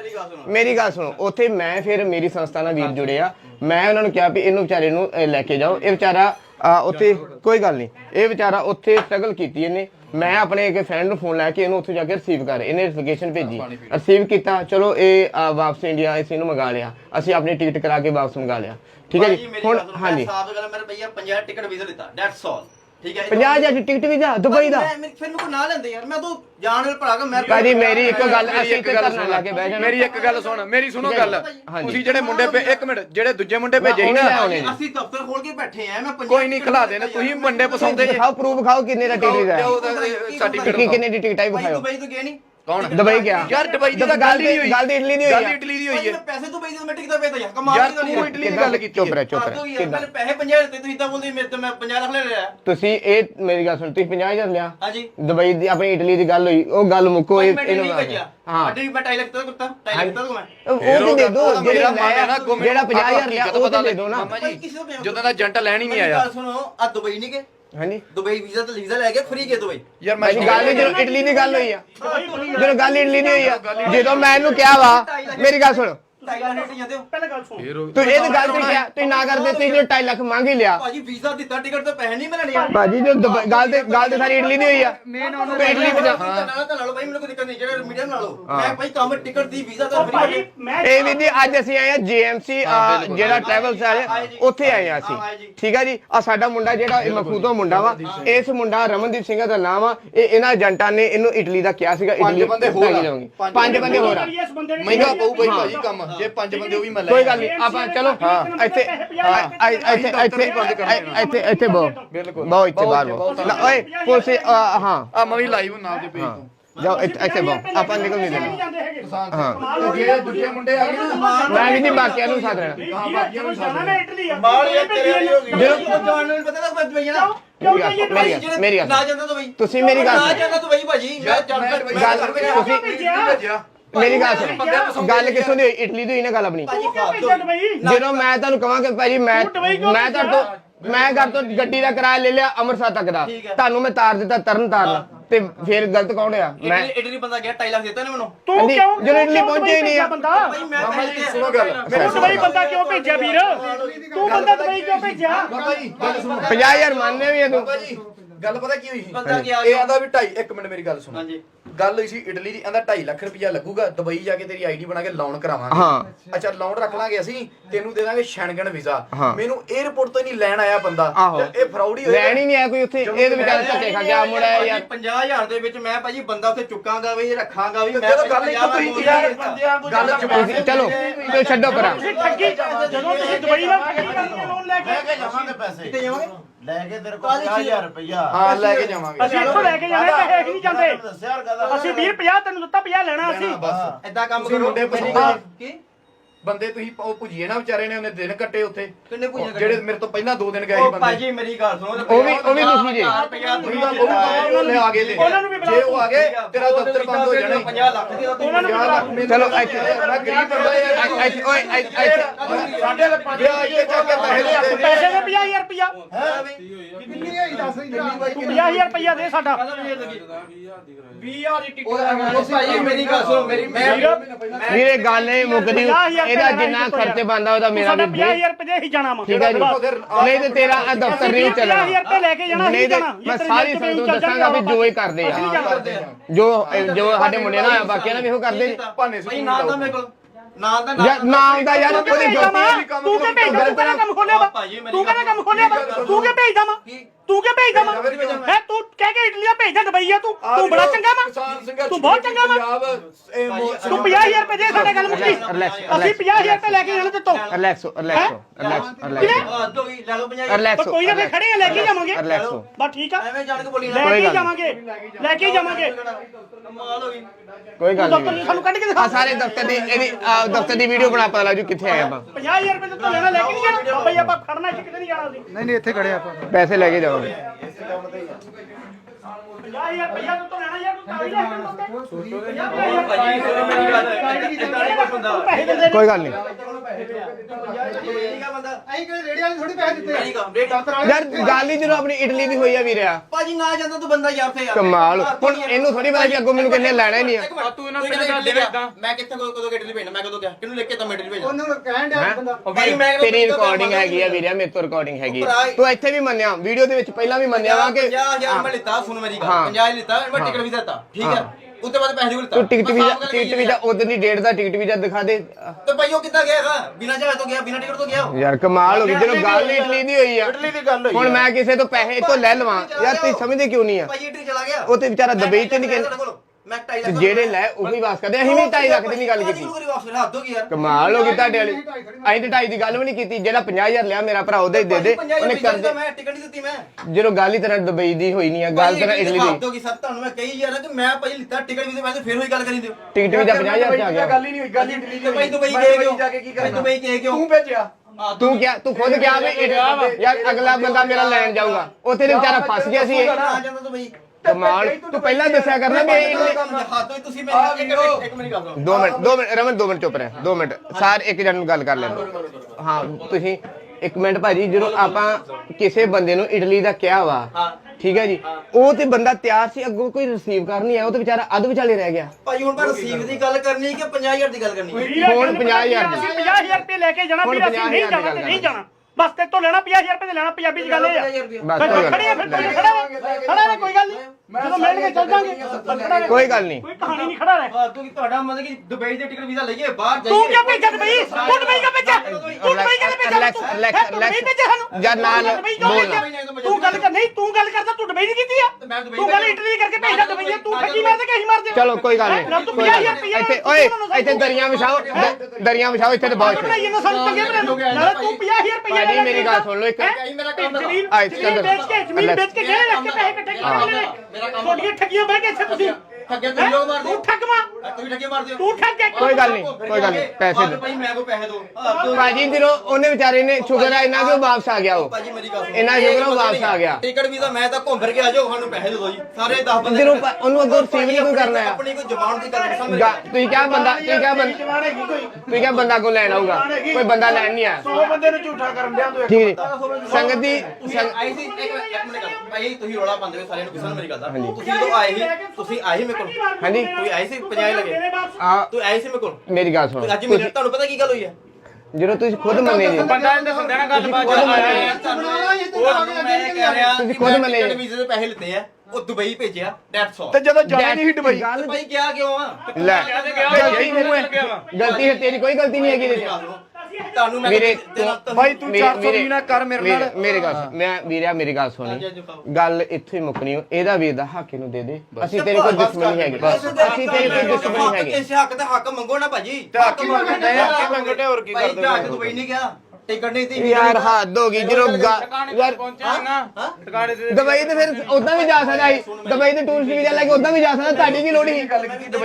Speaker 1: ਗੱਲ ਸੁਣੋ ਉੱਥੇ ਮੈਂ ਫਿਰ ਮੇਰੀ ਸੰਸਥਾ ਨਾਲ ਵੀਰ ਜੁੜੇ ਆ ਮੈਂ ਉਹਨਾਂ ਨੂੰ ਕਿਹਾ ਵੀ ਇਹਨੂੰ ਵਿਚਾਰੇ ਨੂੰ ਲੈ ਕੇ ਜਾਓ ਇਹ ਵਿਚਾਰਾ ਉੱਥੇ ਕੋਈ ਗੱਲ ਨਹੀਂ ਇਹ ਵਿਚਾਰਾ ਉੱਥੇ ਸਟਰਗਲ ਕੀਤੀ ਇਹਨੇ ਮੈਂ ਆਪਣੇ ਇੱਕ ਫਰੈਂਡ ਨੂੰ ਫੋਨ ਲਾ ਕੇ ਇਹਨੂੰ ਉੱਥੇ ਜਾ ਕੇ ਰਿਸੀਵ ਕਰ ਇਹਨੇ ਲੋਕੇਸ਼ਨ ਭੇਜੀ ਰਿਸੀਵ ਕੀਤਾ ਚਲੋ ਇਹ ਵਾਪਸ ਇੰਡੀਆ ਅਸੀਂ ਇਹਨੂੰ ਮੰਗਾ ਲਿਆ ਅਸੀਂ ਆਪਣੀ ਟਿਕਟ ਕਰਾ ਕੇ ਵਾਪਸ ਮੰਗਾ ਲਿਆ ਠੀਕ ਹੈ ਜੀ ਹੁਣ ਹਾਂਜੀ
Speaker 4: ਸਾਫ ਗੱਲ ਮੇਰੇ ਭਈਆ 50 ਟਿਕਟ ਵੀਜ਼ਾ ਲਿੱਤਾ ਦੈਟਸ ਆਲ ਠੀਕ ਹੈ
Speaker 1: 50,000 ਦੀ ਟਿਕਟ ਵੀ ਜਾ ਦੁਬਈ ਦਾ
Speaker 4: ਫਿਰ ਮੈਨੂੰ ਕੋ ਨਾ ਲੈਂਦੇ ਯਾਰ ਮੈਂ ਤਾਂ ਜਾਣ ਵਾਲਾ ਭਰਾ ਮੈਂ
Speaker 1: ਭਾਜੀ ਮੇਰੀ ਇੱਕ ਗੱਲ ਅਸੀਂ ਇੱਥੇ ਧਰਨਾ ਲਾ ਕੇ ਬਹਿ ਜਾਣਾ
Speaker 3: ਮੇਰੀ ਇੱਕ ਗੱਲ ਸੁਣ ਮੇਰੀ ਸੁਣੋ ਗੱਲ ਤੁਸੀਂ ਜਿਹੜੇ ਮੁੰਡੇ ਇੱਕ ਮਿੰਟ ਜਿਹੜੇ ਦੂਜੇ ਮੁੰਡੇ ਭੇਜੇ ਸੀ ਨਾ
Speaker 4: ਅਸੀਂ ਦਫ਼ਤਰ ਖੋਲ ਕੇ ਬੈਠੇ ਆ ਮੈਂ
Speaker 3: ਕੋਈ ਨਹੀਂ ਖਿਲਾ ਦੇਣਾ ਤੁਸੀਂ ਮੁੰਡੇ ਪਸਾਉਂਦੇ ਜੇ
Speaker 1: ਦਿਖਾਓ ਪ੍ਰੂਫ ਖਾਓ ਕਿੰਨੇ ਦਾ ਟਿਕਟ ਹੈ
Speaker 3: ਸਰਟੀਫਿਕੇਟ
Speaker 1: ਕਿੰਨੇ ਦੀ ਟਿਕਟ ਆਈ
Speaker 4: ਭਾਈ
Speaker 1: ਵਿਖਾਓ
Speaker 4: ਦੁਬਈ ਤੋਂ ਗਏ ਨਹੀਂ
Speaker 3: ਕੌਣ
Speaker 1: ਦੁਬਈ ਗਿਆ
Speaker 3: ਯਾਰ ਦੁਬਈ ਦੀ ਤਾਂ
Speaker 1: ਗੱਲ ਦੀ ਇਟਲੀ ਦੀ ਹੋਈ
Speaker 3: ਗੱਲ
Speaker 1: ਹੈ
Speaker 3: ਇਟਲੀ ਦੀ ਹੋਈ ਹੈ
Speaker 4: ਮੈਂ ਪੈਸੇ ਦੁਬਈ ਦੇ ਮੈਂ ਟਿਕਟ ਭੇਜਦਾ ਯਾਰ ਕਮਾਲ
Speaker 3: ਯਾਰ
Speaker 4: ਦੀ ਗੱਲ
Speaker 3: ਤੂੰ ਇਟਲੀ ਦੀ ਗੱਲ ਕੀਤੀ
Speaker 1: ਚੁੱਪ ਰਹਿ ਚੁੱਪ ਰਹਿ
Speaker 4: ਕਿਦਾਂ ਪੈਸੇ 50 ਦਿੱਤੇ ਤੁਸੀਂ ਤਾਂ ਬੋਲਦੇ ਮੇਰੇ ਤੋਂ ਮੈਂ 50 ਲੱਖ ਲੈ ਲਿਆ
Speaker 1: ਤੁਸੀਂ ਇਹ ਮੇਰੀ ਗੱਲ ਸੁਣ ਤੁਸੀਂ 50,000 ਲਿਆ
Speaker 4: ਹਾਂਜੀ
Speaker 1: ਦੁਬਈ ਦੀ ਆਪਣੀ ਇਟਲੀ ਦੀ ਗੱਲ ਹੋਈ ਉਹ ਗੱਲ ਮੁੱਕੋ
Speaker 4: ਇਹਨੂੰ
Speaker 1: ਹਾਂ
Speaker 4: ਅੱਡੇ ਵੀ ਮੈਂ 2.5 ਲੱਖ ਤੱਕ ਕੁੱਤਾ 2.5 ਲੱਖ ਤੱਕ ਮੈਂ
Speaker 1: ਉਹ ਤੇ ਦੇ ਦੋ ਜਿਹੜਾ ਜਿਹੜਾ 50,000 ਲਿਆ ਉਹ ਤੇ ਦੇ ਦੋ ਨਾ
Speaker 3: ਮਾਮਾ ਜੀ ਜਦੋਂ ਦਾ ਏਜੰਟ ਲੈਣ ਹੀ ਨਹੀਂ ਆਇਆ
Speaker 4: ਗੱਲ ਸੁਣੋ ਆ ਦੁਬਈ ਨਹੀਂ ਗਏ
Speaker 1: ਹਾਂਜੀ
Speaker 4: ਦੁਬਈ ਵੀਜ਼ਾ ਤੇ ਵੀਜ਼ਾ ਲੈ ਕੇ ਫ੍ਰੀ ਗਏ ਦੁਬਈ
Speaker 3: ਯਾਰ ਮੈਂ
Speaker 1: ਗੱਲ ਹੀ ਜਦੋਂ ਇਟਲੀ ਦੀ ਗੱਲ ਹੋਈ ਆ ਜਦੋਂ ਗੱਲ ਇਟਲੀ ਦੀ ਹੋਈ ਆ ਜਦੋਂ ਮੈਂ ਇਹਨੂੰ ਕਿਹਾ ਵਾ ਮੇਰੀ ਗੱਲ ਸੁਣ
Speaker 4: 2.5 ਲੱਖ ਰੇਟ ਜਾਂਦੇ ਹੋ
Speaker 2: ਪਹਿਲਾਂ ਗੱਲ ਸੁਣ
Speaker 1: ਤੂੰ ਇਹ ਗੱਲ ਤੇ ਕਿਹਾ ਤੂੰ ਨਾ ਕਰਦੇ ਤੁਸੀਂ 2.5 ਲੱਖ ਮੰਗ ਹੀ ਲਿਆ
Speaker 4: ਭਾਜੀ ਵੀਜ਼ਾ ਦਿੱਤਾ ਟਿਕਟ ਤੇ ਪੈਸੇ ਨਹੀਂ ਮਿਲਣੇ ਯਾਰ
Speaker 1: ਭਾਜੀ ਜੋ ਗੱਲ ਤੇ ਸਾਰੀ ਇਟਲੀ ਦੀ ਹੋਈ ਆ ਤੂੰ ਇਟਲੀ ਵਿੱਚ
Speaker 4: ਤਾਂ ਲਓ ਭਾਈ ਮੈਨੂੰ ਕੋਈ ਦਿੱਕਤ ਨਹੀਂ ਜਿਹੜਾ ਮੀਡੀਅਮ ਲਾ ਲਓ ਮੈਂ ਭਾਈ ਕੰਮ ਟਿਕਟ ਦੀ ਵੀਜ਼ਾ ਤਾਂ ਫ੍ਰੀ
Speaker 2: ਭਾਜੀ ਮੈਂ
Speaker 1: ਇਹ ਵੀ ਜੀ ਅੱਜ ਅਸੀਂ ਆਏ ਆ ਜੀਐਮਸੀ ਜਿਹੜਾ ਟਰੈਵਲਸ ਹੈ ਉੱਥੇ ਆਏ ਆ ਅਸੀਂ ਠੀਕ ਆ ਜੀ ਆ ਸਾਡਾ ਮੁੰਡਾ ਜਿਹੜਾ ਮਖੂਤੋਂ ਮੁੰਡਾ ਵਾ ਇਸ ਮੁੰਡਾ ਰਮਨਦੀਪ ਸਿੰਘ ਦਾ ਨਾਮ ਆ ਇਹ ਇਹਨਾਂ ਏਜੰਟਾਂ ਨੇ ਇਹਨੂੰ ਇਟਲੀ ਦਾ ਕਿਹਾ ਸੀਗਾ ਇਟਲੀ
Speaker 3: ਬੰਦੇ ਹੋਰ ਆ।
Speaker 1: 5 ਬੰਦੇ ਹੋਰ ਆ
Speaker 2: ਇਸ ਬੰਦੇ ਨੇ
Speaker 3: ਮਹਿੰਗਾ ਪਊ ਬਈ ਭਾਜੀ ਕੰਮ ਜੇ 5 ਬੰਦੇ ਉਹ ਵੀ ਮੈਂ ਲੈ
Speaker 1: ਕੋਈ ਗੱਲ ਨਹੀਂ ਆਪਾਂ ਚਲੋ ਇੱਥੇ ਇੱਥੇ ਬਹੁ ਇੱਥੇ ਬਾਹਰ ਬਹੁ ਓਏ ਪੁਲਿਸ ਹਾਂ
Speaker 3: ਆ ਮੈਂ ਵੀ ਲਾਈਵ ਨਾਲ ਦੇ ਪੇਜ ਤੋਂ
Speaker 1: ਜਾਓ ਇੱਥੇ ਬਹੁ ਆਪਾਂ ਨਿਕਲ ਨਹੀਂ ਦੇਣਾ ਹਾਂ
Speaker 3: ਜੇ ਦੂਜੇ ਮੁੰਡੇ ਆ ਗਏ ਨਾ
Speaker 1: ਮੈਂ ਵੀ ਨਹੀਂ ਬਾਕੀਆਂ ਨੂੰ ਸਾਥ ਰਹਿਣਾ
Speaker 2: ਹਾਂ ਬਾਕੀਆਂ ਨੂੰ ਜਾਣਾ ਨਾ ਇਟਲੀ ਆ
Speaker 4: ਮਾਲ ਯਾਰ ਤੇਰੇ ਵਾਲੀ ਹੋ ਗਈ ਜਦੋਂ ਜਾਣ ਨੂੰ ਪਤਾ ਲੱਗ ਦੁਬਈ ਨਾ
Speaker 1: ਮੇਰੀ ਗੱਲ
Speaker 4: ਨਾ ਜਾਂਦਾ ਦੁਬਈ
Speaker 1: ਤੁਸੀਂ ਮੇਰੀ ਗੱਲ
Speaker 4: ਨਾ ਜਾਂਦਾ ਦੁਬਈ ਭਾਜੀ ਮੈਂ ਜਾਂਦਾ
Speaker 1: ਮੇਰੀ ਗੱਲ ਸੁਣ ਗੱਲ ਕਿੱਥੋਂ ਦੀ ਹੋਈ ਇਟਲੀ ਦੀ ਹੋਈ ਨਾ ਗੱਲ ਆਪਣੀ
Speaker 2: ਤੂੰ ਕਿਉਂ ਭੇਜਿਆ ਦੁਬਈ
Speaker 1: ਜਦੋਂ ਮੈਂ ਤੁਹਾਨੂੰ ਕਹਾਂਗਾ ਭਾਜੀ ਮੈਂ ਤੁਹਾਡੇ ਤੋਂ ਮੈਂ ਘਰ ਤੋਂ ਗੱਡੀ ਦਾ ਕਿਰਾਇਆ ਲੈ ਲਿਆ ਅੰਮ੍ਰਿਤਸਰ ਤੱਕ ਦਾ ਤੁਹਾਨੂੰ ਮੈਂ ਤਾਰ ਦਿੱਤਾ ਤਰਨ ਤਾਰਨ ਤੇ ਫਿਰ ਗਲਤ ਕੌਣ ਆ ਮੈਂ
Speaker 4: ਇਟਲੀ ਬੰਦਾ ਗਿਆ 2.5 ਲੱਖ ਦਿੱਤਾ ਨੇ ਮੈਨੂੰ
Speaker 2: ਤੂੰ ਕਿਉਂ
Speaker 1: ਜਦੋਂ ਇਟਲੀ ਪਹੁੰਚੇ ਹੀ ਨਹੀਂ ਆ
Speaker 2: ਬੰਦਾ
Speaker 4: ਭਾਈ ਮੈਂ
Speaker 3: ਮਾਮਾ ਜੀ ਸੁਣੋ ਗੱਲ
Speaker 2: ਤੂੰ ਦੁਬਈ ਬੰਦਾ ਕਿਉਂ ਭੇਜਿਆ ਵੀਰ ਤੂੰ ਬੰਦਾ ਦੁਬਈ ਕਿਉਂ ਭੇਜਿਆ
Speaker 3: ਬਾਬਾ ਜੀ ਗੱਲ ਸੁਣੋ
Speaker 1: 50,000 ਮੰਨਨੇ ਵੀ ਆ ਤੂੰ
Speaker 3: ਬਾਬਾ ਜੀ ਗੱਲ ਪਤਾ ਕੀ ਹੋਈ
Speaker 4: ਬੰਦਾ ਗਿਆ
Speaker 3: ਇਹ ਆਂਦਾ ਵੀ 2.5 ਇੱਕ ਮਿੰਟ ਮੇਰੀ ਗੱਲ ਸੁਣੋ
Speaker 4: ਹਾਂਜੀ
Speaker 3: ਗੱਲ ਹੋਈ ਸੀ ਇਟਲੀ ਦੀ ਆਂਦਾ 2.5 ਲੱਖ ਰੁਪਇਆ ਲੱਗੂਗਾ ਦੁਬਈ ਜਾ ਕੇ ਤੇਰੀ ਆਈਡੀ ਬਣਾ ਕੇ ਲੋਨ ਕਰਾਵਾਂਗੇ
Speaker 1: ਹਾਂ
Speaker 3: ਅੱਛਾ ਲੋਨ ਰੱਖ ਲਾਂਗੇ ਅਸੀਂ ਤੈਨੂੰ ਦੇ ਦਾਂਗੇ ਸ਼ੈਂਗਨ ਵੀਜ਼ਾ
Speaker 1: ਹਾਂ।
Speaker 3: ਮੈਨੂੰ 에어ਪੋਰਟ ਤੋਂ ਹੀ ਨਹੀਂ ਲੈਣ ਆਇਆ ਬੰਦਾ
Speaker 1: ਆਹੋ।
Speaker 3: ਇਹ ਫਰਾਡ ਹੀ ਹੋਇਆ
Speaker 1: ਲੈਣ ਹੀ ਨਹੀਂ ਆਇਆ ਕੋਈ ਉੱਥੇ ਇਹਦੇ ਵਿਚਾਰੇ ਧੱਕੇ ਖਾ ਗਿਆ ਮੁੰਡਾ ਯਾਰ
Speaker 4: 50000 ਦੇ ਵਿੱਚ ਮੈਂ ਭਾਜੀ ਬੰਦਾ ਉੱਥੇ ਚੁੱਕਾਂਗਾ ਵੀ ਰੱਖਾਂਗਾ ਵੀ ਮੈਂ
Speaker 3: ਜਦੋਂ ਗੱਲ ਇੱਕ ਤੁਸੀਂ ਯਾਰ ਬੰਦਿਆਂ ਨੂੰ ਗੱਲ
Speaker 1: ਤੁਸੀਂ ਚਲੋ ਤੁਸੀਂ ਛੱਡੋ ਪਰਾਂ
Speaker 2: ਤੁਸੀਂ ਠੱਗੀ ਜਦੋਂ ਤੁਸੀਂ ਦੁਬਈ ਨਾਲ ਠੱਗੀ ਕਰਦੇ ਲੋਨ ਲੈ ਕੇ
Speaker 5: ਜਾਵਾਂਗੇ ਪੈਸੇ
Speaker 4: ਕਿੱਥੇ ਜਾਵਾਂਗੇ
Speaker 5: ਲੈ ਕੇ ਤੇਰੇ ਕੋਲ 50,000 ਰੁਪਇਆ
Speaker 3: ਹਾਂ ਲੈ ਕੇ ਜਾਵਾਂਗੇ
Speaker 2: ਅਸੀਂ ਇੱਥੋਂ ਲੈ ਕੇ ਜਾਣੇ ਪੈਸੇ ਨਹੀਂ ਜਾਂਦੇ
Speaker 5: ਦੱਸਿਆ ਯਾਰ ਕਹਦਾ
Speaker 2: ਅਸੀਂ 20-50 ਤੈਨੂੰ ਦਿੱਤਾ 50 ਲੈਣਾ ਅਸੀਂ
Speaker 3: ਬਸ
Speaker 4: ਏਦਾਂ ਕੰਮ
Speaker 3: ਤੁਸੀਂ
Speaker 4: ਕਰੋ
Speaker 3: ਮੁੰਡੇ ਪਸੰਦ
Speaker 4: ਕੀ
Speaker 3: ਬੰਦੇ ਤੁਸੀਂ ਉਹ ਭੁਜੀਏ ਨਾ ਵਿਚਾਰੇ ਨੇ ਉਹਨੇ ਦਿਨ ਕੱਟੇ ਉੱਥੇ
Speaker 4: ਕਿੰਨੇ ਭੁਜੀਏ ਕੱਟੇ?
Speaker 3: ਜਿਹੜੇ ਮੇਰੇ ਤੋਂ ਪਹਿਲਾਂ 2 ਦਿਨ ਗਏ ਸੀ
Speaker 4: ਉਹ
Speaker 3: ਬੰਦੇ
Speaker 4: ਭਾਜੀ ਮੇਰੀ ਗੱਲ ਸੁਣੋ
Speaker 1: ਉਹ ਵੀ ਤੁਸੀਂ ਜੀ
Speaker 3: ਤੁਸੀਂ ਤਾਂ ਉਹ ਲੈ ਆ ਗਏ ਤੇ
Speaker 2: ਉਹਨਾਂ ਨੂੰ ਵੀ ਬੁਲਾਓ।
Speaker 3: ਜੇ ਉਹ ਆ ਗਏ ਤੇਰਾ ਦਫ਼ਤਰ ਬੰਦ ਹੋ ਜਾਣਾ
Speaker 4: 50 ਲੱਖ ਦੀ
Speaker 2: ਉਹਨਾਂ ਨੂੰ ਵੀ ਬੁਲਾਓ।
Speaker 1: ਚਲੋ ਇੱਥੇ
Speaker 3: ਮੈਂ ਗਰੀਬ ਬੰਦਾ ਯਾਰ
Speaker 1: ਇੱਥੇ ਓਏ ਇੱਥੇ
Speaker 3: ਸਾਡੇ ਲੱਗ ਇੱਥੇ ਚੱਕ ਕੇ ਪੈਸੇ ਦੇ ਦੇ
Speaker 2: ਪੈਸੇ ਦੇ 50000 ਰੁਪਇਆ
Speaker 5: ਕਿੰਨੀ ਹੋਈ ਦੱਸ ਹੀ
Speaker 2: ਤੂੰ 50000 ਰੁਪਇਆ ਦੇ ਸਾਡਾ
Speaker 4: 20000 ਦੀ ਟਿਕਟ ਭਾਜੀ ਮੇਰੀ ਗੱਲ ਸੁਣੋ ਮੇਰੀ ਮੈਂ
Speaker 1: ਵੀਰੇ ਗੱਲ ਇਹ ਮੁੱਕਦੀ ਇਹਦਾ ਜਿੰਨਾ ਖਰਚ ਬੰਦਾ ਉਹਦਾ ਮੇਰਾ ਵੀ ਦੇ
Speaker 2: 50000 ਰੁਪਏ ਹੀ ਜਾਣਾ ਵਾ
Speaker 1: ਠੀਕ ਹੈ ਜੀ ਨਹੀਂ ਤੇ ਤੇਰਾ ਦਫ਼ਤਰ ਨਹੀਂ ਚੱਲਣਾ
Speaker 2: 50000 ਰੁਪਏ ਲੈ ਕੇ ਜਾਣਾ
Speaker 1: ਨਹੀਂ ਤੇ ਮੈਂ ਸਾਰੀ ਸੰਗਤ ਨੂੰ ਦੱਸਾਂਗਾ ਵੀ ਜੋ ਇਹ ਕਰਦੇ ਆ ਜੋ ਸਾਡੇ ਮੁੰਡੇ ਨਾਲ ਬਾਕੀਆਂ ਨਾਲ ਵੀ ਉਹ ਕਰਦੇ ਜੀ
Speaker 3: ਭਾਨੇ
Speaker 4: ਭਾਈ ਨਾ ਤਾਂ ਮੇਰੇ ਕੋਲ ਨਾ ਤਾਂ
Speaker 1: ਯਾਰ ਨਾਮ ਦਾ ਯਾਰ ਉਹਦੀ ਜੋਤੀ
Speaker 2: ਤੂੰ ਕਿ ਭੇਜਦਾ ਤੂੰ ਕਹਿੰਦਾ ਕੰਮ ਖੋਲਿਆ ਵਾ ਤੂੰ ਕਹਿੰਦਾ ਕੰਮ ਖੋਲਿਆ ਵਾ ਤੂੰ ਕਿ ਭੇਜਦਾ ਵਾ ਤੂੰ ਕਿ ਭੇਜਦਾ ਵਾ ਹੈ ਤੂੰ ਕਹਿ ਕੇ ਇਟਲੀਆ ਭੇਜਦਾ ਦੁਬਈ ਆ ਤੂੰ ਬੜਾ ਚੰਗਾ ਵਾ ਤੂੰ ਬਹੁਤ ਚੰਗਾ ਵਾ ਤੂੰ 50000 ਰੁਪਏ ਦੇ ਸਾਡੇ ਗੱਲ ਮੁੱਕੀ ਅਸੀਂ 50000 ਰੁਪਏ ਲੈ ਕੇ ਜਾਣਾ ਤੇ ਤੂੰ
Speaker 1: ਰਿਲੈਕਸੋ
Speaker 4: ਲੈ ਲਓ 50
Speaker 1: ਰਿਲੈਕਸੋ
Speaker 2: ਕੋਈ ਨਾ ਫਿਰ ਖੜੇ ਆ ਲੈ ਕੇ ਜਾਵਾਂਗੇ
Speaker 1: ਰਿਲੈਕਸੋ
Speaker 2: ਬਸ ਠੀਕ ਆ
Speaker 4: ਐਵੇਂ ਜਾਣ ਕੇ ਬੋਲੀ
Speaker 2: ਲੈ ਕੇ ਜਾਵਾਂਗੇ ਲੈ ਕੇ ਜਾਵਾਂਗੇ
Speaker 4: ਕਮਾਲ ਹੋ ਗਈ
Speaker 1: ਕੋਈ ਗੱਲ
Speaker 2: ਦਫ਼ਤਰ
Speaker 1: ਨਹੀਂ
Speaker 2: ਨੂੰ ਸਾਨੂੰ ਕੱਢ ਕੇ
Speaker 1: ਆ
Speaker 2: ਦਿਖਾ
Speaker 1: ਸਾਰੇ ਦਫ਼ਤਰ ਦੀ ਇਹਦੀ ਦਫ਼ਤਰ ਦੀ ਵੀਡੀਓ ਬਣਾ ਪਤਾ ਲੱਗ ਜੂ ਕਿੱਥੇ ਆਏ ਆਪਾਂ
Speaker 2: 50000 ਰੁਪਏ ਤੋਂ ਲੈਣਾ ਲੈ ਕੇ ਨਹੀਂ ਜਾਣਾ ਬਾਬਾ ਜੀ ਆਪਾਂ ਖੜਨਾ ਇੱਥੇ ਕਿਤੇ ਨਹੀਂ ਜਾਣਾ ਅਸੀਂ
Speaker 5: ਨਹੀਂ ਇੱਥੇ ਖੜੇ ਆਪਾਂ
Speaker 1: ਪੈਸੇ ਲੈ ਕੇ ਜਾਵਾਂਗੇ
Speaker 2: 50000 ਰੁਪਏ ਤੋਂ ਲੈਣਾ ਯਾਰ ਤੂੰ ਕਾਗਜ਼ ਲੈ ਕੇ
Speaker 4: ਭਾਜੀ ਸੁਣੋ ਮੇਰੀ ਗੱਲ ਇਦਾਂ ਨਹੀਂ ਕੁਝ ਹੁੰਦਾ
Speaker 2: ਪੈਸੇ ਦਿੰਦੇ
Speaker 1: ਕੋਈ ਗੱਲ ਨਹੀਂ
Speaker 4: ਬੰਦਾ
Speaker 5: ਅਸੀਂ ਕਿਹੜੇ ਰੇੜੀ ਵਾਲੇ ਥੋੜੀ ਪੈਸੇ ਦਿੱਤੇ
Speaker 4: ਮੇਰੀ ਕੰਮ ਰੇਟ
Speaker 1: ਯਾਰ ਗੱਲ ਹੀ ਜਦੋਂ ਆਪਣੀ ਇਟਲੀ ਦੀ ਹੋਈ ਆ ਵੀਰਿਆ
Speaker 4: ਭਾਜੀ ਨਾ ਜਾਂਦਾ ਤੂੰ ਬੰਦਾ ਯਾਰ ਤੇ ਯਾਰ
Speaker 1: ਕਮਾਲ ਹੁਣ ਇਹਨੂੰ ਥੋੜੀ ਪਤਾ ਕਿ ਅੱਗੋਂ ਮੈਨੂੰ ਕਿੰਨੇ ਲੈਣਾ ਹੀ ਨਹੀਂ ਆ
Speaker 4: ਤੂੰ ਇਹਨਾਂ ਪਹਿਲਾਂ ਗੱਲ ਦੇ ਇਦਾਂ ਮੈਂ ਕਿੱਥੇ ਕਦੋਂ ਇਟਲੀ ਭੇਜਣਾ ਮੈਂ ਕਦੋਂ ਗਿਆ ਕਿਹਨੂੰ ਲਿਖ ਕੇ ਤਾਂ ਮੈਂ ਇਟਲੀ ਭੇਜਣਾ
Speaker 5: ਉਹਨੂੰ ਕਹਿਣ ਡਿਆ ਬੰਦਾ
Speaker 4: ਭਾਈ ਮੈਂ
Speaker 1: ਤੇਰੀ ਰਿਕਾਰਡਿੰਗ ਹੈਗੀ ਆ ਵੀਰਿਆ ਮੇਰੇ ਤੋਂ ਰਿਕਾਰਡਿੰਗ ਹੈਗੀ ਤੂੰ ਇੱਥੇ ਵੀ ਮੰਨਿਆ ਵੀਡੀਓ ਦੇ ਵਿੱਚ ਪਹਿਲਾਂ ਵੀ ਮੰਨਿਆ ਵਾ ਕਿ
Speaker 4: 50000 ਮੈਂ ਲਿੱਤਾ ਸੁਣ ਮੇਰੀ ਗੱਲ 50 ਲਿੱਤਾ ਮੈਂ ਟਿਕਟ ਵੀ ਦਿੱਤਾ ਠੀਕ ਹੈ ਉੱਤੇ ਬਾਅਦ ਪੈਸੇ ਵੀ
Speaker 1: ਤੂੰ ਟਿਕਟ ਵੀਜ਼ਾ ਉਦੋਂ ਦੀ ਡੇਟ ਦਾ ਟਿਕਟ ਵੀਜ਼ਾ ਦਿਖਾ ਦੇ।
Speaker 4: ਤੇ ਭਾਈ ਉਹ ਕਿੱਦਾਂ ਗਿਆ ਹੈਗਾ ਬਿਨਾਂ ਜਹਾਜ਼ ਤੋਂ ਗਿਆ ਬਿਨਾਂ ਟਿਕਟ ਤੋਂ ਗਿਆ
Speaker 1: ਯਾਰ ਕਮਾਲ ਹੋ ਗਈ ਜਦੋਂ ਗੱਲ ਇਟਲੀ ਦੀ ਹੋਈ ਆ।
Speaker 2: ਇਟਲੀ ਦੀ ਗੱਲ ਹੋਈ
Speaker 1: ਹੁਣ ਮੈਂ ਕਿਸੇ ਤੋਂ ਪੈਸੇ ਇੱਥੋਂ ਲੈ ਲਵਾਂ ਯਾਰ ਤੁਸੀਂ ਸਮਝਦੇ ਕਿਉਂ ਨਹੀਂ ਆ?
Speaker 4: ਭਾਈ ਇਟਲੀ ਚਲਾ ਗਿਆ
Speaker 1: ਉਹ ਤੇ ਵਿਚਾਰਾ ਦੁਬਈ ਤੇ ਨਹੀਂ ਕਹਿੰਦਾ
Speaker 4: ਮੈਂ 2.5 ਲੱਖ
Speaker 1: ਜਿਹੜੇ ਲੈ ਉਹ ਵੀ ਵਾਪਸ ਕਰਦੇ ਅਸੀਂ ਵੀ 2.5 ਲੱਖ ਦੀ ਨਹੀਂ ਗੱਲ ਕੀਤੀ।
Speaker 4: ਹੱਦ ਹੋ ਗਈ ਯਾਰ
Speaker 1: ਕਮਾਲ ਹੋ ਗਈ ਤੁਹਾਡੇ ਵਾਲੀ। ਅਸੀਂ ਤੇ 2.5 ਦੀ ਗੱਲ ਵੀ ਨਹੀਂ ਕੀਤੀ। ਜਿਹੜਾ 50,000 ਲਿਆ ਮੇਰਾ ਭਰਾ ਉਹਦਾ ਹੀ ਦੇ ਦੇ ਉਹਨੇ ਕਰ ਦੇ।
Speaker 4: ਮੈਂ ਟਿਕਟ ਨਹੀਂ ਦਿੱਤੀ ਮੈਂ
Speaker 1: ਜਦੋਂ ਗੱਲ ਹੀ ਤੇਰਾ ਦੁਬਈ ਦੀ ਹੋਈ ਨਹੀਂ ਆ ਗੱਲ ਤੇਰਾ ਇਟਲੀ ਦੀ।
Speaker 4: ਹੱਦ ਹੋ ਗਈ ਸਰ ਤੁਹਾਨੂੰ ਮੈਂ ਕਹੀ ਯਾਰ ਕਿ ਮੈਂ ਭਾਈ ਲਿੱਤਾ ਟਿਕਟ ਵੀ ਤੇ ਮੈਂ ਫਿਰ ਹੋਈ ਗੱਲ ਕਰੀ ਦਿਓ
Speaker 1: ਟਿਕਟ ਵੀਜ਼ਾ 50,000 ਚ ਆ ਗਿਆ।
Speaker 3: ਗੱਲ ਹੀ ਨਹੀਂ ਹੋਈ, ਗੱਲ ਹੀ ਇਟਲੀ ਦੀ
Speaker 4: ਭਾਈ ਦੁਬਈ
Speaker 3: ਮੈਂ
Speaker 4: ਗਏ
Speaker 3: ਦੁਬਈ
Speaker 4: ਕਿਉਂ
Speaker 3: ਜਾ ਕੇ ਕੀ ਕਰਨਾ?
Speaker 4: ਦੁਬਈ ਗਏ ਕਿਉਂ
Speaker 3: ਤੂੰ ਭੇਜਿਆ
Speaker 1: ਤੂੰ ਕਿਹਾ ਤੂੰ ਖੁਦ ਕਿਹਾ ਵੀ ਯਾਰ ਅਗਲਾ ਬੰਦਾ ਮੇਰਾ ਲੈਣ ਜਾਊਗਾ ਉੱਥੇ ਤੇ ਵਿਚਾਰਾ ਫਸ ਗਿਆ ਸੀ ਇਹ।
Speaker 4: ਆ ਜਾਂਦਾ ਦੁਬਈ
Speaker 1: ਕਮਾਲ ਤੂੰ ਪਹਿਲਾਂ ਦੱਸਿਆ ਕਰਨਾ ਵੀ ਇਹ
Speaker 4: ਹੱਦ ਹੋਈ ਤੁਸੀਂ ਮੇਰੇ ਇੱਕ ਮਿੰਟ ਗੱਲ ਸੁਣੋ
Speaker 1: 2 ਮਿੰਟ ਰਮਨ 2 ਮਿੰਟ ਚੁੱਪ ਰਹਿ 2 ਮਿੰਟ ਸਾਰ ਇੱਕ ਜਣ ਨੂੰ ਗੱਲ ਕਰ ਲੈਣ ਹਾਂ ਤੁਸੀਂ 1 ਮਿੰਟ ਭਾਜੀ ਜਦੋਂ ਆਪਾਂ ਕਿਸੇ ਬੰਦੇ ਨੂੰ ਇਟਲੀ ਦਾ ਕਿਹਾ ਵਾ ਠੀਕ ਹੈ ਜੀ ਉਹ ਤੇ ਬੰਦਾ ਤਿਆਰ ਸੀ ਅੱਗੋਂ ਕੋਈ ਰਿਸੀਵ ਕਰ ਨਹੀਂ ਆਇਆ ਉਹ ਤੇ ਵਿਚਾਰਾ ਅੱਧ ਵਿਚਾਲੇ ਰਹਿ ਗਿਆ।
Speaker 4: ਭਾਈ ਹੁਣ ਮੈਂ ਰਸੀਵ ਦੀ ਗੱਲ ਕਰਨੀ ਕਿ 50,000 ਦੀ ਗੱਲ ਕਰਨੀ
Speaker 1: ਹੁਣ 50,000
Speaker 2: ਅਸੀਂ 50,000 ਰੁਪਏ ਲੈ ਕੇ ਜਾਣਾ ਵੀਰ ਅਸੀਂ ਨਹੀਂ ਜਾਣਾ ਤੇ ਨਹੀਂ ਜਾਣਾ ਬਸ ਤੇ ਤੋਂ ਲੈਣਾ 50,000 ਰੁਪਏ ਤੇ ਲੈਣਾ ਪੰਜਾਬੀ ਚ ਗੱਲ ਇਹ ਆ
Speaker 1: ਬਸ
Speaker 2: ਖੜੇ ਆ ਫਿਰ ਖੜਾ ਰਹਿ ਕੋਈ ਗੱਲ ਨਹੀਂ ਜਦੋਂ ਮਿਲ ਕੇ ਚੱਲ ਜਾਾਂਗੇ
Speaker 1: ਕੋਈ ਗੱਲ ਨਹੀਂ
Speaker 2: ਕੋਈ ਕਹਾਣੀ ਨਹੀਂ ਖੜਾ ਰਹਿ
Speaker 4: ਤੂੰ ਤੁਹਾਡਾ ਮਤਲਬ ਕਿ ਦੁਬਈ ਦੇ ਟਿਕਟ ਵੀਜ਼ਾ ਲਈਏ ਬਾਹਰ ਜਾਈਏ
Speaker 2: ਤੂੰ ਕਿਉਂ ਭੇਜਿਆ ਦੁਬਈ ਤੂੰ ਦੁਬਈ ਕਿਉਂ ਭੇਜਿਆ ਤੂੰ ਦੁਬਈ ਕਿਉਂ ਭੇਜਿਆ ਦੁਬਈ ਭੇਜਿਆ ਸਾਨੂੰ
Speaker 1: ਜਾਂ ਨਾਲ
Speaker 2: ਤੂੰ ਗੱਲ ਕਰ ਨਹੀਂ ਤੂੰ ਗੱਲ ਕਰਦਾ ਤੂੰ ਦੁਬਈ ਦੀ ਕੀਤੀ ਆ ਤੂੰ ਗੱਲ ਇਟਲੀ ਕਰਕੇ ਭੇਜਦਾ ਦੁਬਈ ਤੂੰ ਠੱਗੀ ਮਾਰ ਤੇ ਕਹੀ ਮਾਰ ਦੇ
Speaker 1: ਚਲੋ ਕੋਈ ਗੱਲ ਨਹੀਂ
Speaker 2: ਤੂੰ 50,000 ਰੁਪਏ
Speaker 1: ਇੱਥੇ ਓਏ ਇੱਥੇ ਦਰੀਆਂ ਵਿਛਾਓ ਦਰੀਆਂ ਵਿਛਾਓ ਇੱਥੇ ਤੇ ਬਹੁਤ
Speaker 2: ਬਣਾਈਏ ਨਾ ਸਾਨੂੰ ਚੰਗੇ ਬਣਾ ਲਓ ਨਾਲੇ ਤੂੰ 50,000 ਰੁਪਏ
Speaker 1: ਭਾਜੀ ਮੇਰੀ ਗੱਲ ਸੁਣ ਲਓ ਇੱਕ
Speaker 4: ਮੇਰਾ ਕੰਮ
Speaker 2: ਜ਼ਮੀਨ ਵੇਚ ਕੇ ਗਏ ਰੱਖ ਕੇ ਪੈਸੇ ਇਕੱਠੇ ਕਰ ਲੈ ਤੁਹਾਡੀਆਂ ਠੱਗੀਆਂ ਬਹਿ ਕੇ ਇੱਥੇ ਤੁਸੀਂ
Speaker 4: ਠੱਗੇ ਤੁਸੀਂ ਲੋਕ ਮਾਰਦੇ
Speaker 2: ਤੂੰ ਠੱਗ ਮਾਰ
Speaker 4: ਤੁਸੀਂ ਠੱਗੇ ਮਾਰਦੇ ਹੋ
Speaker 2: ਤੂੰ ਠੱਗ ਕੇ
Speaker 1: ਕੋਈ ਗੱਲ ਨਹੀਂ ਪੈਸੇ ਦੇ
Speaker 4: ਭਾਈ ਮੈਂ ਕੋ ਪੈਸੇ ਦੋ
Speaker 1: ਭਾਜੀ ਜਦੋਂ ਉਹਨੇ ਵਿਚਾਰੇ ਨੇ ਸ਼ੁਕਰ ਹੈ ਇਹਨਾਂ ਕਿ ਉਹ ਵਾਪਸ ਆ ਗਿਆ ਉਹ
Speaker 4: ਭਾਜੀ ਮੇਰੀ ਗੱਲ
Speaker 1: ਇਹਨਾਂ ਸ਼ੁਕਰ ਉਹ ਵਾਪਸ ਆ ਗਿਆ
Speaker 4: ਟਿਕਟ ਵੀਜ਼ਾ ਮੈਂ ਤਾਂ ਘੁੰਮ ਫਿਰ ਕੇ ਆ ਜਾਓ ਸਾਨੂੰ ਪੈਸੇ ਦੇ ਦਿਓ ਜੀ ਸਾਰੇ 10 ਬੰਦੇ
Speaker 1: ਜਦੋਂ ਉਹਨੂੰ ਅੱਗੋਂ ਰਿਸੀਵ ਨਹੀਂ ਕੋਈ ਕਰਨਾ ਆ
Speaker 4: ਆਪਣੀ ਕੋਈ ਜ਼ਬਾਨ ਦੀ ਗੱਲ ਸਮਝ
Speaker 1: ਤੁਸੀਂ ਕਿਹਾ ਬੰਦਾ ਤੁਸੀਂ ਕਿਹਾ ਬੰਦਾ ਕੋ ਲੈਣ ਆਊਗਾ ਕੋਈ ਬੰਦਾ ਲੈਣ ਨਹੀਂ ਆਇਆ
Speaker 2: 100 ਬੰਦੇ ਨੂੰ ਝੂਠਾ ਕਰਨ ਦਿਆਂ ਤੂੰ
Speaker 1: ਠੀਕ ਹੈ ਸੰਗਤ ਦੀ
Speaker 4: ਆਈ ਸੀ ਇੱਕ ਮਿੰਟ ਗੱਲ ਭਾਈ ਤੁਸੀਂ ਰੋਲਾ ਪਾਉਂਦੇ ਹੋ ਸਾਰਿਆਂ ਨੂੰ ਕਿਸੇ ਨੂੰ ਮੇਰੀ ਗੱਲ ਦਾ ਤੁਸੀਂ ਜਦੋਂ ਆਏ ਸੀ ਤੁਸੀਂ ਆਏ ਮੇਰੇ ਕੋਲ
Speaker 1: ਹਾਂਜੀ
Speaker 4: ਤੁਸੀਂ ਆਏ ਸੀ 50 ਲਗੇ
Speaker 1: ਆ
Speaker 4: ਤੂੰ ਆਏ ਸੀ ਮੇਰੇ ਕੋਲ
Speaker 1: ਮੇਰੀ ਗੱਲ ਸੁਣੋ
Speaker 4: ਅੱਜ ਮੇਰੇ ਤੁਹਾਨੂੰ ਪਤਾ ਕੀ ਗੱਲ ਹੋਈ ਹੈ
Speaker 1: ਜਦੋਂ ਤੁਸੀਂ ਖੁਦ ਮੰਨੇ ਜੀ
Speaker 4: ਬੰਦਾ ਇਹਦੇ ਹੁੰਦਾ ਨਾ ਗੱਲ ਬਾਤ ਮੈਂ ਕਹਿ ਰਿਹਾ
Speaker 1: ਤੁਸੀਂ ਖੁਦ ਮੰਨੇ
Speaker 4: ਟਿਕਟ ਵੀਜ਼ੇ ਦੇ ਪੈਸੇ ਲਿੱਤੇ ਆ ਉਹ ਦੁਬਈ ਭੇਜਿਆ ਡੈਟਸ ਆਲ
Speaker 3: ਤੇ ਜਦੋਂ ਜਾਣਾ ਨਹੀਂ ਸੀ ਦੁਬਈ
Speaker 1: ਗੱਲ
Speaker 4: ਭਾਈ ਕਿਹਾ ਕਿਉਂ ਆ
Speaker 1: ਲੈ ਗਲਤੀ ਹੈ ਤੇਰੀ ਕੋਈ ਗਲਤੀ ਨਹੀਂ ਹੈਗੀ ਇਹਦੇ ਚ
Speaker 4: ਤੁਹਾਨੂੰ ਮੈਂ
Speaker 1: ਮੇਰੇ
Speaker 3: ਭਾਈ ਤੂੰ 420 ਨਾ ਕਰ ਮੇਰੇ ਨਾਲ
Speaker 1: ਮੇਰੇ ਗੱਲ ਮੈਂ ਵੀਰਿਆ ਮੇਰੀ ਗੱਲ ਸੁਣੀ ਗੱਲ ਇੱਥੇ ਹੀ ਮੁੱਕਣੀ ਇਹਦਾ ਵੀਰ ਦਾ ਹੱਕ ਇਹਨੂੰ ਦੇ ਦੇ ਅਸੀਂ ਤੇਰੇ ਕੋਲ ਦੁਸ਼ਮਣ ਨਹੀਂ ਹੈਗੇ ਅਸੀਂ ਤੇਰੇ ਕੋਲ ਦੁਸ਼ਮਣ ਨਹੀਂ ਹੈਗੇ
Speaker 4: ਕਿਸੇ ਹੱਕ ਤੇ ਹੱਕ ਮੰਗੋ ਨਾ ਭਾਜੀ
Speaker 3: ਹੱਕ ਮੰਗਦੇ ਆ ਹੱਕ ਮੰਗਦੇ ਹੋਰ ਕੀ
Speaker 4: ਭਾਈ
Speaker 3: ਕਰਦੇ
Speaker 4: ਜਾ ਕੇ ਦੁਬਈ ਨਹੀਂ ਗਿਆ ਟਿਕਟ ਨਹੀਂ ਸੀ
Speaker 1: ਯਾਰ ਹੱਦ ਹੋ ਗਈ ਜਦੋਂ ਯਾਰ ਦੁਬਈ ਤੇ ਫਿਰ ਉਦਾਂ ਵੀ ਜਾ ਸਕਦਾ ਸੀ ਦੁਬਈ ਤੇ ਟੂਰਿਸਟ ਵੀਜ਼ਾ ਲੈ ਕੇ ਉਦਾਂ ਵੀ ਜਾ ਸਕਦਾ ਤੁਹਾਡੀ ਕੀ ਲੋੜ ਸੀ
Speaker 3: ਗੱਲ ਕੀਤੀ ਦੁਬਈ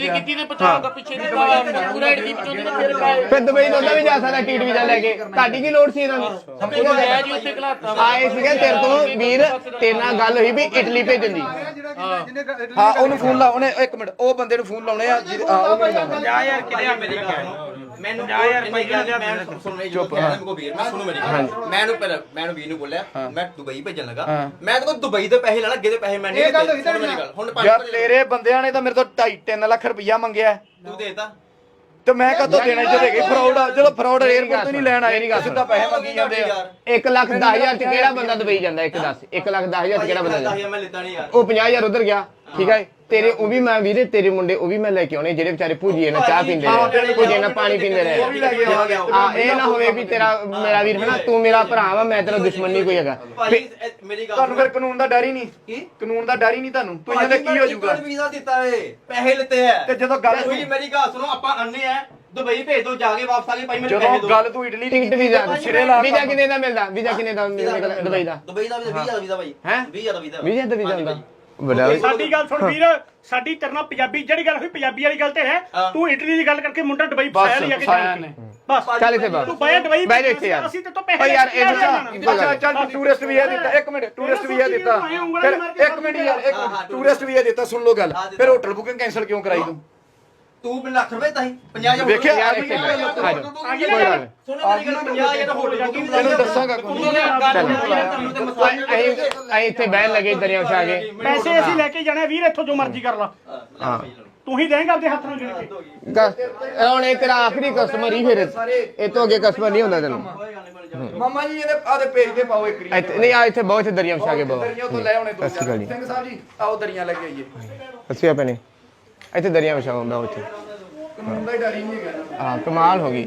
Speaker 1: ਫਿਰ ਦੁਬਈ ਤੋਂ ਉਦਾਂ ਵੀ ਜਾ ਸਕਦਾ ਟੀਟ ਵੀਜ਼ਾ ਲੈ ਕੇ ਤੁਹਾਡੀ ਕੀ ਲੋੜ ਸੀ ਇਹਨਾਂ ਨੂੰ ਆਏ ਸੀਗੇ ਤੇਰੇ ਤੋਂ ਵੀਰ ਤੇਰੇ ਨਾਲ ਗੱਲ ਹੋਈ ਵੀ ਇਟਲੀ ਭੇਜਣ ਦੀ
Speaker 3: ਹਾਂ ਉਹਨੂੰ ਫੋਨ ਲਾ ਉਹਨੇ ਇੱਕ ਮਿੰਟ ਉਹ ਬੰਦੇ ਨੂੰ ਫੋਨ ਲਾਉਣੇ ਆ
Speaker 4: ਜਾ ਯਾਰ ਕਿਹੜਾ ਮੇਰੀ ਗੱਲ ਮੈਨੂੰ ਜਾ ਯਾਰ ਮੈਂ ਸੁਣ ਰਹੀ ਚੁੱਪ ਮੈਂ ਕੋ ਵੀਰ ਮੈਂ ਸੁਣੋ ਮੇਰੀ ਗੱਲ ਮੈਨੂੰ ਵੀਰ ਨੂੰ ਬੋਲਿਆ ਮੈਂ ਦੁਬਈ ਭੇਜਣ ਲੱਗਾ ਮੈਂ ਤਾਂ ਦੁਬਈ ਦੇ ਪੈਸੇ ਲੈਣਾ ਅੱਗੇ ਦੇ ਪੈਸੇ ਮੈਂ ਨਹੀਂ ਦਿੱਤੇ ਮੇਰੀ ਗੱਲ ਹੁਣ
Speaker 3: ਯਾਰ ਤੇਰੇ ਬੰਦਿਆਂ ਨੇ ਤਾਂ ਮੇਰੇ ਤੋਂ 2.5-3 ਲੱਖ ਰੁਪਇਆ ਮੰਗਿਆ
Speaker 4: ਤੂੰ ਦੇਤਾ
Speaker 3: ਤੇ ਮੈਂ ਕਦੋਂ ਦੇਣਾ ਜਦੋਂ ਹੈਗੇ ਫਰਾਡ ਆ ਜਦੋਂ ਫਰਾਡ 에ਅਰਪੋਰਟ ਤੋਂ ਨਹੀਂ ਲੈਣ ਆਏ ਸਿੱਧਾ ਪੈਸੇ ਮੰਗੀ ਜਾਂਦੇ ਆ
Speaker 1: 1,10,000 ਚ ਕਿਹੜਾ ਬੰਦਾ ਦੁਬਈ ਜਾਂਦਾ ਇੱਕ ਦੱਸ 1,10,000 ਚ ਕਿਹੜਾ ਬੰਦਾ ਜਾਂਦਾ
Speaker 4: ਮੈਂ ਲਿੱਤਾ ਨਹੀਂ ਯਾਰ
Speaker 1: ਉਹ 50,000 ਉਧਰ ਗਿਆ ਠੀਕ ਹੈ ਤੇਰੇ ਉਹ ਵੀ ਮੈਂ ਵੀਰੇ ਤੇਰੇ ਮੁੰਡੇ ਉਹ ਵੀ ਮੈਂ ਲੈ ਕੇ ਆਉਣੇ ਜਿਹੜੇ ਵਿਚਾਰੇ ਭੁਜੀਏ ਨਾਲ ਚਾਹ ਪੀਂਦੇ ਰਹੇ ਭੁਜੀਏ ਨਾਲ ਪਾਣੀ ਪੀਂਦੇ ਰਹੇ ਆ ਇਹ ਨਾ ਹੋਵੇ ਵੀ ਤੇਰਾ ਮੇਰਾ ਵੀਰ ਹਨਾ ਤੂੰ ਮੇਰਾ ਭਰਾ ਵਾ ਮੈਂ ਤੇਰਾ ਦੁਸ਼ਮਣ ਨਹੀਂ ਕੋਈ ਹੈਗਾ
Speaker 4: ਮੇਰੀ ਗੱਲ
Speaker 3: ਤੁਹਾਨੂੰ ਫਿਰ ਕਾਨੂੰਨ ਦਾ ਡਰ ਹੀ ਨਹੀਂ ਕੀ ਕਾਨੂੰਨ ਦਾ ਡਰ ਹੀ ਨਹੀਂ ਤੁਹਾਨੂੰ ਤੁਸੀਂ ਇਹਦੇ ਕੀ ਹੋ ਜਾਊਗਾ
Speaker 4: ਵੀਜ਼ਾ ਦਿੱਤਾ ਏ ਪੈਸੇ ਲਿੱਤੇ ਆ
Speaker 3: ਤੇ ਜਦੋਂ ਗੱਲ
Speaker 4: ਹੋਈ ਮੇਰੀ ਗੱਲ ਸੁਣੋ ਆਪਾਂ ਅੰਨੇ ਆ ਦੁਬਈ ਭੇਜ ਦੋ ਜਾ ਕੇ ਵਾਪਸ ਆ ਕੇ ਭਾਈ ਮੈਨੂੰ ਪੈਸੇ
Speaker 3: ਜਦੋਂ
Speaker 4: ਦਿਓ
Speaker 3: ਗੱਲ ਤੂੰ ਇਟਲੀ
Speaker 1: ਟਿਕਟ ਵੀਜ਼ਾ
Speaker 3: ਸਿਰੇ ਲਾ
Speaker 1: ਵੀਜ਼ਾ ਕਿੰਨੇ ਦਾ ਮਿਲਦਾ ਵੀਜ਼ਾ ਕਿੰਨੇ ਦਾ ਮਿਲਦਾ ਦੁਬਈ ਦਾ
Speaker 4: ਦੁਬਈ ਦਾ ਵੀਜ਼ਾ 20,000 ਵੀਜ਼ਾ ਭਾਈ
Speaker 1: ਹੈ
Speaker 4: 20,000 ਦਾ ਵੀਜ਼ਾ
Speaker 1: ਵੀਜ਼ਾ ਦਾ ਵੀਜ਼ਾ ਹੁੰਦਾ ਬੜਾ
Speaker 2: ਸਾਡੀ ਗੱਲ ਸੁਣ ਵੀਰ ਸਾਡੀ ਤਰਨਾ ਪੰਜਾਬੀ ਜਿਹੜੀ ਗੱਲ ਹੋਈ ਪੰਜਾਬੀ ਵਾਲੀ ਗੱਲ ਤੇ ਹੈ ਤੂੰ ਇਟਲੀ ਦੀ ਗੱਲ ਕਰਕੇ ਮੁੰਡਾ ਦੁਬਈ ਫਸਾਇਆ ਲਿਆ ਕੇ ਜਾਣਾ ਬਸ
Speaker 1: ਚੱਲ ਇੱਥੇ ਬਾਹਰ
Speaker 2: ਤੂੰ ਬਾਹਰ ਦੁਬਈ
Speaker 1: ਬਹਿ ਜਾ ਇੱਥੇ ਯਾਰ
Speaker 2: ਅਸੀਂ ਤੇ ਤੋਂ ਪੈਸੇ
Speaker 1: ਓ ਯਾਰ ਇਹ
Speaker 3: ਅੱਛਾ ਚੱਲ ਟੂਰਿਸਟ ਵੀਜ਼ਾ ਦਿੱਤਾ ਇੱਕ ਮਿੰਟ ਟੂਰਿਸਟ ਵੀਜ਼ਾ ਦਿੱਤਾ ਫਿਰ ਇੱਕ ਮਿੰਟ ਯਾਰ ਇੱਕ ਮਿੰਟ ਟੂਰਿਸਟ ਵੀਜ਼ਾ ਦਿੱਤਾ ਸੁਣ ਲਓ ਗੱਲ ਫਿਰ ਹੋਟਲ ਬੁਕਿੰਗ ਕੈਨਸਲ ਕਿਉਂ ਕਰਾਈ ਤੂੰ
Speaker 4: ਤੂੰ ਲੱਖ ਰੁਪਏ ਤਾਂ 50,000
Speaker 3: ਵੇਖਿਆ
Speaker 1: ਯਾਰ ਇੱਥੇ ਆ ਜਾ ਕੋਈ ਗੱਲ ਨਹੀਂ
Speaker 4: ਸੁਣੋ ਮੇਰੀ ਗੱਲ 50,000 ਦਾ ਹੋਟਲ ਬੁਕਿੰਗ
Speaker 3: ਤੈਨੂੰ ਦੱਸਾਂਗਾ
Speaker 1: ਅਸੀਂ ਇੱਥੇ ਬਹਿਣ ਲੱਗੇ ਦਰਿਆ ਵਿਛਾ ਕੇ
Speaker 2: ਪੈਸੇ ਅਸੀਂ ਲੈ ਕੇ ਜਾਣੇ ਵੀਰ ਇੱਥੋਂ ਜੋ ਮਰਜ਼ੀ ਕਰ ਲਾ
Speaker 1: ਹਾਂ
Speaker 2: ਤੂੰ ਹੀ ਦੇਂਗਾ ਆਪਦੇ ਹੱਥ ਨਾਲ ਗਿਣ ਕੇ
Speaker 1: ਹੁਣ ਇਹ ਤੇਰਾ ਆਖਰੀ ਕਸਟਮਰ ਹੀ ਫਿਰ ਇਹ ਤੋਂ ਅੱਗੇ ਕਸਟਮਰ ਨਹੀਂ ਹੁੰਦਾ ਤੈਨੂੰ
Speaker 3: ਮਾਮਾ ਜੀ ਇਹਦੇ ਆਦੇ ਪੇਜ ਤੇ ਪਾਓ ਇੱਕ
Speaker 1: ਇੱਥੇ ਨਹੀਂ ਆ ਇੱਥੇ ਬਹੁਤ ਦਰਿਆ ਵਿਛਾ ਕੇ ਬਹੁਤ
Speaker 3: ਦਰੀਆਂ ਤੋਂ ਲੈ ਆਉਣੇ
Speaker 1: ਸਤਿ ਸ਼੍ਰੀ ਅਕਾਲ ਜੀ।
Speaker 3: ਸਿੰਘ ਸਾਹਿਬ ਜੀ ਆਓ ਦਰੀਆਂ ਲੈ ਕੇ ਆਈਏ
Speaker 1: ਅੱਛਾ ਭੈਣੇ ਇੱਥੇ ਦਰਿਆ ਵਿਛਾਓ ਮੈਂ ਉੱਥੇ
Speaker 3: ਕਾਨੂੰਨ ਦਾ ਹੀ ਡਰ ਹੀ ਨਹੀਂ ਹੈਗਾ
Speaker 1: ਹਾਂ ਕਮਾਲ ਹੋ ਗਈ